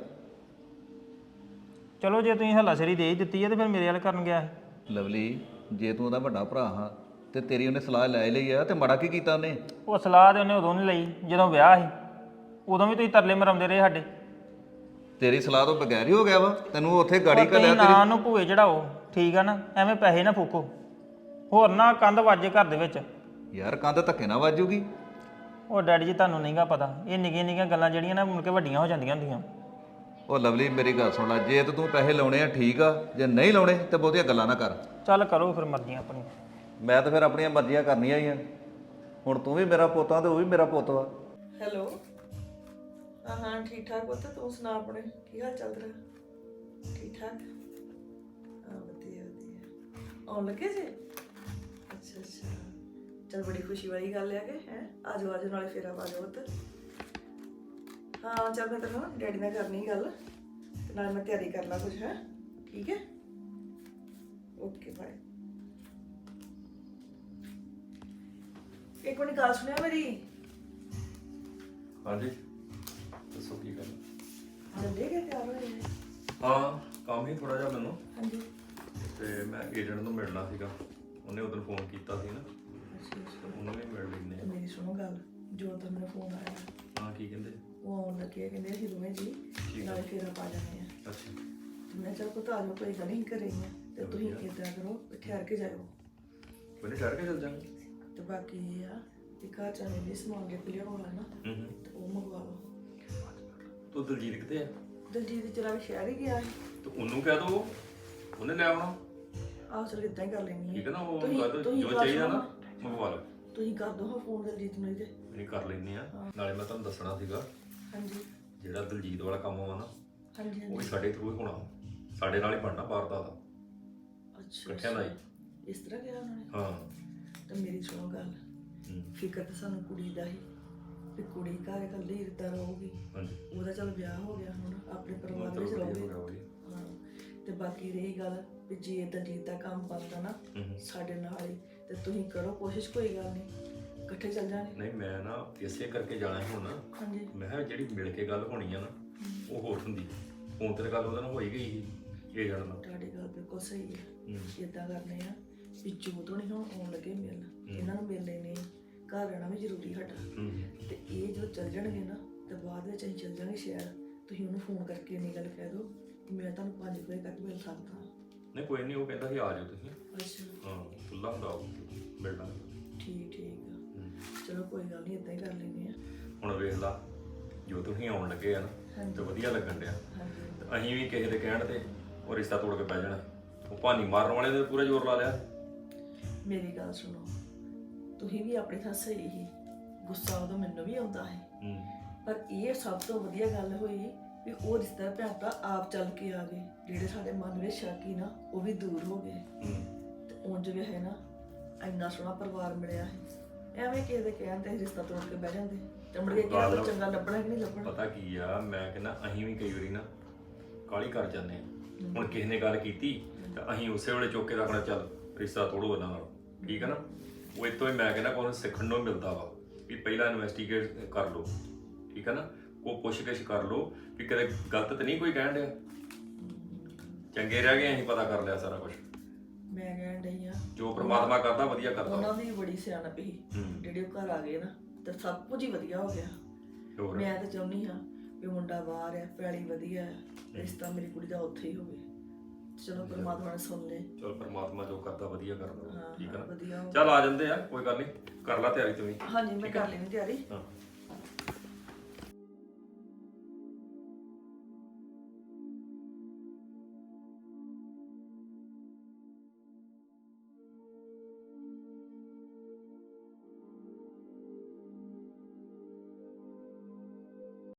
[SPEAKER 1] ਚਲੋ ਜੇ ਤੁਸੀਂ ਹੱਲਾਸ਼ੇਰੀ ਦੇ ਹੀ ਦਿੱਤੀ ਹੈ ਤੇ ਫਿਰ ਮੇਰੇ ਵੱਲ ਕਰਨ ਗਿਆ ਸੀ।
[SPEAKER 3] ਲਵਲੀ, ਜੇ ਤੂੰ ਉਹਦਾ ਵੱਡਾ ਭਰਾ ਹਾਂ ਤੇ ਤੇਰੀ ਉਹਨੇ ਸਲਾਹ ਲੈ ਲਈ ਆ, ਤੇ ਮਾੜਾ ਕੀ ਕੀਤਾ ਉਹਨੇ?
[SPEAKER 1] ਉਹ ਸਲਾਹ ਤੇ ਉਹਨੇ ਉਦੋਂ ਨਹੀਂ ਲਈ ਜਦੋਂ ਵਿਆਹ ਸੀ, ਉਦੋਂ ਵੀ ਤੁਸੀਂ ਤਰਲੇ ਮਰਾਉਂਦੇ ਰਹੇ ਸਾਡੇ।
[SPEAKER 3] ਤੇਰੀ ਸਲਾਹ ਤੋਂ ਬਗੈਰ ਹੀ ਹੋ ਗਿਆ ਵਾ, ਤੈਨੂੰ ਉੱਥੇ ਗਾੜੀ
[SPEAKER 1] ਤੁਸੀਂ
[SPEAKER 3] ਘੱਲਿਆ
[SPEAKER 1] ਨਾ
[SPEAKER 3] ਤੇਰੀ।
[SPEAKER 1] ਨੂੰ ਭੂਏ ਚੜਾਓ, ਠੀਕ ਆ ਨਾ, ਐਵੇਂ ਪੈਸੇ ਨਾ ਫੂਕੋ, ਹੋਰ ਨਾ ਕੰਧ ਵਾਜੇ ਘਰ ਦੇ ਵਿੱਚ।
[SPEAKER 3] ਯਾਰ ਕੰਧ ਧੱਕੇ ਨਾ ਵੱਜੂਗੀ।
[SPEAKER 1] ਉਹ ਡੈਡੀ ਜੀ ਤੁਹਾਨੂੰ ਨਹੀਂਗਾ ਪਤਾ, ਇਹ ਨਿੱਕੀਆਂ ਨਿੱਕੀਆਂ ਗੱਲਾਂ ਜਿਹੜੀਆਂ ਨਾ ਮੁੜ ਕੇ ਵੱਡੀਆਂ ਹੋ ਜਾਂਦੀਆਂ ਹੁੰਦੀਆਂ।
[SPEAKER 3] ਉਹ ਲਵਲੀ ਮੇਰੀ ਗੱਲ ਸੁਣ ਲੈ, ਜੇ ਤੇ ਤੂੰ ਪੈਸੇ ਲਾਉਣੇ ਆ ਠੀਕ ਆ, ਜੇ ਨਹੀਂ ਲਾਉਣੇ ਤੇ ਬਹੁਤੀਆਂ ਗੱਲਾਂ ਨਾ ਕਰ।
[SPEAKER 1] ਚੱਲ ਕਰੋ ਫਿਰ ਮਰਜ਼ੀਆਂ ਆਪਣੀ।
[SPEAKER 3] ਮੈਂ ਤਾਂ ਫਿਰ ਆਪਣੀਆਂ ਮਰਜ਼ੀਆਂ ਕਰਨੀਆਂ ਹੀ ਆ। ਹੁਣ ਤੂੰ ਵੀ ਮੇਰਾ ਪੁੱਤ ਆ ਤੇ ਉਹ ਵੀ ਮੇਰਾ ਪੁੱਤ ਵਾ।
[SPEAKER 8] ਹੈਲੋ। ਹਾਂ ਹਾਂ ਠੀਕ ਠਾਕ ਪੁੱਤ, ਤੂੰ ਸੁਣਾ ਆਪਣੇ ਕੀ ਹਾਲ ਚੱਲ ਰਿਹਾ? ਠੀਕ ਠਾਕ? ਹਾਂ ਵਧੀਆ ਵਧੀਆ। ਆਉਣ ਲੱਗੇ ਜੇ? ਅੱਛਾ ਅੱਛਾ, ਚਲ ਬੜੀ ਖੁਸ਼ੀ ਵਾਲੀ ਗੱਲ ਹੈ ਕਿ ਹੈ। ਆ ਜਾਓ ਆ ਜਾਓ, ਨਾਲੇ ਫੇਰਾ ਪਾ ਜਾਓ ਪੁੱਤ। ਹਾਂ ਚੱਲ ਮੈਂ ਤੈਨੂੰ ਡੈਡੀ ਨਾਲ ਕਰਨੀ ਗੱਲ, ਤੇ ਨਾਲ ਮੈਂ ਤਿਆਰੀ ਕਰ ਲਾ ਕੁਝ। ਹੈ ਠੀਕ ਹੈ, ਓਕੇ ਬਾਏ। ਇੱਕ ਮਿੰਟ ਗੱਲ ਸੁਣਿਆ ਮੇਰੀ।
[SPEAKER 9] ਹਾਂਜੀ ਦੱਸੋ ਕੀ ਗੱਲ?
[SPEAKER 8] ਚੱਲੇ ਗਏ ਤਿਆਰ ਹੋਏ ਨੇ?
[SPEAKER 9] ਹਾਂ ਕੰਮ ਹੀ ਥੋੜਾ ਜਿਹਾ ਮੈਨੂੰ,
[SPEAKER 8] ਹਾਂਜੀ।
[SPEAKER 9] ਤੇ ਮੈਂ ਏਜੰਟ ਨੂੰ ਮਿਲਣਾ ਸੀਗਾ, ਉਹਨੇ ਉਦੋਂ ਫੋਨ ਕੀਤਾ ਸੀ ਨਾ,
[SPEAKER 8] ਅੱਛਾ ਅੱਛਾ,
[SPEAKER 9] ਉਹਨੂੰ ਵੀ ਮਿਲ ਲੈਂਦੇ
[SPEAKER 8] ਤੇ ਮੇਰੀ ਸੁਣੋ ਗੱਲ, ਜੋ ਤਾਂ ਮੈਨੂੰ ਫੋਨ ਆਇਆ,
[SPEAKER 9] ਆ। ਹਾਂ ਕੀ ਕਹਿੰਦੇ?
[SPEAKER 8] ਉਹ ਆਉਣ ਲੱਗੇ, ਕਹਿੰਦੇ ਅਸੀਂ ਦੋਵੇਂ ਜੀ ਨਾਲੇ ਫੇਰਾ ਪਾ ਜਾਂਦੇ ਆ।
[SPEAKER 9] ਅੱਛਾ
[SPEAKER 8] ਤੇ ਮੈਂ ਚੱਲ ਪੁੱਤ ਆ ਜਾਓ, ਕੋਈ ਗੱਲ ਨਹੀਂ ਘਰੇ ਹੀ ਆ, ਤੇ ਤੁਸੀਂ ਇੱਦਾਂ ਕਰੋ ਵੀ ਠਹਿਰ ਕੇ ਜਾਇਓ।
[SPEAKER 9] ਕੋਈ ਨਹੀਂ, ਠਹਿਰ ਕੇ ਚੱਲ ਜਾਂਗੇ।
[SPEAKER 8] ਤੇ ਬਾਕੀ ਇਹ ਆ ਵੀ ਘਰ ਚਾਹੇ ਵੀ ਸਮਾਨ ਲਿਖ ਲਿਆ ਹੋਣਾ ਨਾ,
[SPEAKER 9] ਹੂੰ ਹੂੰ।
[SPEAKER 8] ਤੇ ਉਹ ਮੰਗਵਾ ਲਓ।
[SPEAKER 9] ਤੂੰ ਦਲਜੀਤ ਕਿੱਥੇ ਆ?
[SPEAKER 8] ਦਲਜੀਤ ਚਲਾ ਵੀ ਸ਼ਹਿਰ ਹੀ ਗਿਆ ਸੀ।
[SPEAKER 9] ਤੇ ਉਹਨੂੰ ਕਹਿ ਦੋ, ਉਹਨੇ ਲੈ ਆਉਣਾ।
[SPEAKER 8] ਆਹ ਚਲ ਇਦਾਂ ਹੀ ਕਰ ਲੈਣੀ
[SPEAKER 9] ਠੀਕ ਹੈ ਨਾ, ਉਹ
[SPEAKER 8] ਤੁਸੀਂ-
[SPEAKER 9] ਕਰ ਦੋ
[SPEAKER 8] ਤੁਸੀਂ
[SPEAKER 9] ਜੋ
[SPEAKER 8] ਗੱਲ
[SPEAKER 9] ਚਾਹੀਦਾ ਨਾ,
[SPEAKER 8] ਸੁਣੋ।
[SPEAKER 9] ਮੰਗਵਾ ਲਓ।
[SPEAKER 8] ਤੁਸੀਂ ਕਰ ਦੋ ਹਾਂ ਫੋਨ ਦਲਜੀਤ ਨੂੰ ਇਹਦੇ।
[SPEAKER 9] ਨਹੀਂ ਕਰ ਲੈਂਦੇ ਆ। ਨਾਲੇ ਮੈਂ ਤੁਹਾਨੂੰ ਦੱਸਣਾ ਸੀਗਾ,
[SPEAKER 8] ਹਾਂਜੀ
[SPEAKER 9] ਜਿਹੜਾ ਦਲਜੀਤ ਵਾਲਾ ਕੰਮ ਵਾ ਨਾ,
[SPEAKER 8] ਹਾਂਜੀ
[SPEAKER 9] ਉਹ ਵੀ
[SPEAKER 8] ਹਾਂਜੀ।
[SPEAKER 9] ਸਾਡੇ ਥਰੂ ਹੀ ਹੋਣਾ, ਸਾਡੇ ਨਾਲ ਹੀ ਬਣਨਾ ਪਾਰਦਾ ਦਾ,
[SPEAKER 8] ਅੱਛਾ
[SPEAKER 9] ਇਕੱਠਿਆਂ ਦਾ ਹੀ।
[SPEAKER 8] ਇਸ ਤਰ੍ਹਾਂ ਕਿਹਾ ਉਹਨਾਂ ਨੇ?
[SPEAKER 9] ਹਾਂ।
[SPEAKER 8] ਤੇ ਮੇਰੀ ਸੁਣੋ ਗੱਲ,
[SPEAKER 9] ਹੂੰ।
[SPEAKER 8] ਫਿਕਰ ਤਾਂ ਸਾਨੂੰ ਕੁੜੀ ਦਾ ਹੀ, ਵੀ ਕੁੜੀ ਘਰ ਇਕੱਲੀ ਇੱਦਾਂ ਰਹੂਗੀ।
[SPEAKER 9] ਹਾਂਜੀ।
[SPEAKER 8] ਉਹਦਾ ਚੱਲ ਵਿਆਹ ਹੋ ਗਿਆ, ਹੁਣ ਆਪਣੇ ਪਰਿਵਾਰ
[SPEAKER 9] ਚਲੋ
[SPEAKER 8] ਵਿੱਚ
[SPEAKER 9] ਵਧੀਆ
[SPEAKER 8] ਰਹੂਗੀ।
[SPEAKER 9] ਹੋ ਗਿਆ, ਵਧੀਆ।
[SPEAKER 8] ਹਾਂ, ਤੇ ਬਾਕੀ ਰਹੀ ਗੱਲ ਵੀ ਜੇ ਦਲਜੀਤ ਦਾ ਕੰਮ ਬਣਦਾ ਨਾ
[SPEAKER 9] ਹੂੰ ਹੂੰ।
[SPEAKER 8] ਸਾਡੇ ਨਾਲ ਹੀ, ਤੇ ਤੁਸੀਂ ਕਰੋ ਕੋਸ਼ਿਸ਼, ਕੋਈ ਗੱਲ ਨਹੀਂ ਇਕੱਠੇ ਚੱਲ ਜਾਣੇ।
[SPEAKER 9] ਨਹੀਂ ਮੈਂ ਨਾ ਇਸੇ ਕਰਕੇ ਜਾਣਾ ਸੀ ਹੁਣ।
[SPEAKER 8] ਹਾਂਜੀ
[SPEAKER 9] ਮੈਂ ਕਿਹਾ ਜਿਹੜੀ ਮਿਲ ਕੇ ਗੱਲ ਹੋਣੀ ਆ ਨਾ, ਉਹ ਹੋਰ ਹੁੰਦੀ। ਫੋਨ ਤੇ ਗੱਲ ਉਹਦੇ ਨਾਲ ਹੋਈ ਗਈ ਸੀ ਇਹ ਜਾਣ ਨਾਲ।
[SPEAKER 8] ਤੁਹਾਡੀ ਗੱਲ ਬਿਲਕੁਲ ਸਹੀ ਹੈ।
[SPEAKER 9] ਹੂੰ।
[SPEAKER 8] ਇਦਾਂ ਕਰਨੇ ਆ ਵੀ ਜੋ ਤੋਂ ਨਹੀਂ ਹੁਣ ਆਉਣ ਲੱਗੇ ਮਿਲ, ਇਹਨਾਂ ਨੂੰ ਮਿਲ ਲੈਣੇ, ਘਰ ਰਹਿਣਾ ਵੀ ਜ਼ਰੂਰੀ ਸਾਡਾ।
[SPEAKER 9] ਹੂੰ।
[SPEAKER 8] ਤੇ ਇਹ ਜਦੋਂ ਚੱਲ ਜਾਣਗੇ ਨਾ, ਤੇ ਬਾਅਦ ਵਿੱਚ ਅਸੀਂ ਚੱਲ ਜਾਵਾਂਗੇ ਸ਼ਹਿਰ। ਤੁਸੀਂ ਉਹਨੂੰ ਫੋਨ ਕਰਕੇ ਇੰਨੀ ਗੱਲ ਕਹਿ ਦਿਓ ਕਿ ਮੈਂ ਤੁਹਾਨੂੰ ਪੰਜ ਵਜੇ ਤੱਕ ਮਿਲ ਸਕਦਾ।
[SPEAKER 9] ਨਹੀਂ ਕੋਈ ਨਹੀਂ, ਉਹ ਕਹਿੰਦਾ ਸੀ ਆ ਜਾਓ ਤੁਸੀਂ।
[SPEAKER 8] ਅੱਛਾ
[SPEAKER 9] ਹਾਂ ਖੁੱਲਾ ਹੁੰਦਾ ਉਹ, ਮਿਲ ਲਾਂਗੇ।
[SPEAKER 8] ਠੀਕ ਠੀਕ ਆ,
[SPEAKER 9] ਹੂੰ।
[SPEAKER 8] ਚਲੋ ਕੋਈ ਗੱਲ ਨਹੀਂ, ਇਦਾਂ ਹੀ ਕਰ ਲੈਂਦੇ ਆ।
[SPEAKER 9] ਹੁਣ ਵੇਖ ਲਾ, ਜੋ ਤੁਸੀਂ ਆਉਣ ਲੱਗੇ ਆ ਨਾ, ਤੇ ਵਧੀਆ ਲੱਗਣ ਡਿਆ।
[SPEAKER 8] ਹਾਂਜੀ
[SPEAKER 9] ਤੇ ਅਸੀਂ ਵੀ ਕਿਸੇ ਦੇ ਕਹਿਣ ਤੇ ਉਹ ਰਿਸ਼ਤਾ ਤੋੜ ਕੇ ਪੈ ਜਾਣਾ। ਉਹ ਭਾਨੀ ਮਾਰਨ ਵਾਲੇ ਨੇ ਪੂਰਾ ਜ਼ੋਰ ਲਾ ਲਿਆ।
[SPEAKER 8] ਮੇਰੀ ਗੱਲ ਸੁਣੋ, ਤੁਸੀਂ ਵੀ ਆਪਣੀ ਥਾਂ ਸਹੀ ਸੀ, ਗੁੱਸਾ ਉਦੋਂ ਮੈਨੂੰ ਵੀ ਆਉਂਦਾ ਹੈ,
[SPEAKER 9] ਹੂੰ।
[SPEAKER 8] ਪਰ ਇਹ ਸਭ ਤੋਂ ਵਧੀਆ ਗੱਲ ਹੋਈ ਵੀ ਉਹ ਰਿਸ਼ਤਾ ਭੈਣ ਭਰਾ ਆਪ ਚੱਲ ਕੇ ਆ ਗਏ। ਜਿਹੜੇ ਸਾਡੇ ਮਨ ਵਿੱਚ ਸ਼ੱਕ ਸੀ ਨਾ, ਉਹ ਵੀ ਦੂਰ ਹੋ ਗਏ।
[SPEAKER 9] ਹੂੰ।
[SPEAKER 8] ਤੇ ਉਂਝ ਵੀ ਹੈ ਨਾ, ਇੰਨਾ ਸੋਹਣਾ ਪਰਿਵਾਰ ਮਿਲਿਆ ਹੈ। ਐਵੇਂ ਕਿਸੇ ਦੇ ਕਹਿਣ ਤੇ ਰਿਸ਼ਤਾ ਤੋੜ ਕੇ ਬਹਿ ਜਾਂਦੇ, ਤੇ ਮੁੜ ਕੇ ਕਿਹਾ
[SPEAKER 9] ਗੱਲ-
[SPEAKER 8] ਚੰਗਾ ਲੱਭਣਾ ਕਿ ਨਹੀਂ ਲੱਭਣਾ।
[SPEAKER 9] ਪਤਾ ਕੀ ਆ, ਮੈਂ ਕਹਿੰਦਾ ਅਸੀਂ ਵੀ ਕਈ ਵਾਰੀ ਨਾ ਕਾਹਲੀ ਕਰ ਜਾਂਦੇ ਆ। ਹੁਣ ਕਿਸੇ ਨੇ ਗੱਲ ਕੀਤੀ ਤਾਂ ਅਸੀਂ ਉਸੇ ਵੇਲੇ ਚੁੱਕ ਕੇ ਰੱਖਣਾ, ਚੱਲ ਰਿਸ਼ਤਾ ਤੋੜੋ ਉਹਨਾਂ ਨਾਲ, ਠੀਕ ਹੈ ਨਾ। ਉਹ ਇਤੋਂ ਹੀ ਮੈਂ ਕਹਿੰਦਾ ਕੋਈ ਸਿੱਖਣ ਨੂੰ ਮਿਲਦਾ ਵਾ ਵੀ ਪਹਿਲਾਂ ਇਨਵੈਸਟੀਗੇਟ ਕਰ ਲਓ, ਠੀਕ ਹੈ ਨਾ। ਉਹ ਪੁੱਛ-ਗਿੱਛ ਕਰ ਲਓ ਵੀ ਕਦੇ ਗਲਤ ਤਾਂ ਨਹੀਂ ਕੋਈ ਕਹਿਣ ਡਿਆ। ਚੰਗੇ ਰਹਿ ਗਏ, ਅਸੀਂ ਪਤਾ ਕਰ ਲਿਆ ਸਾਰਾ ਕੁਝ।
[SPEAKER 8] ਮੈਂ ਕਹਿਣ ਡਈ ਆ,
[SPEAKER 9] ਜੋ ਪ੍ਰਮਾਤਮਾ ਕਰਦਾ ਵਧੀਆ ਕਰਦਾ।
[SPEAKER 8] ਉਹਨਾਂ ਦੀ ਬੜੀ ਸਿਆਣਪ ਸੀ,
[SPEAKER 9] ਹੂੰ।
[SPEAKER 8] ਜਿਹੜੇ ਉਹ ਘਰ ਆ ਗਏ ਨਾ, ਤੇ ਸਭ ਕੁਝ ਹੀ ਵਧੀਆ ਹੋ ਗਿਆ।
[SPEAKER 9] ਹੋਰ
[SPEAKER 8] ਮੈਂ ਤਾਂ ਚਾਹੁੰਦੀ ਹਾਂ ਵੀ ਮੁੰਡਾ ਬਾਹਰ ਆ, ਪੈਲੀ ਵਧੀਆ ਹੈ, ਰਿਸ਼ਤਾ ਮੇਰੀ ਕੁੜੀ ਦਾ ਉੱਥੇ ਹੀ ਹੋਵੇ। ਚਲੋ ਪਰਮਾਤਮਾ ਨੇ ਸੁਣ ਲੇ।
[SPEAKER 9] ਚਲ ਪਰਮਾਤਮਾ ਜੋ ਕਰਦਾ ਵਧੀਆ ਕਰਦਾ,
[SPEAKER 8] ਹਾਂ,
[SPEAKER 9] ਠੀਕ ਹੈ ਨਾ।
[SPEAKER 8] ਵਧੀਆ ਹੋ
[SPEAKER 9] ਚੱਲ ਆ ਜਾਂਦੇ ਆ, ਕੋਈ ਗੱਲ ਨਹੀਂ, ਕਰ ਲੈ ਤਿਆਰੀ ਤੂੰ ਵੀ।
[SPEAKER 8] ਹਾਂਜੀ ਮੈਂ ਕਰ ਲੈਣੀ ਤਿਆਰੀ।
[SPEAKER 9] ਹਾਂ।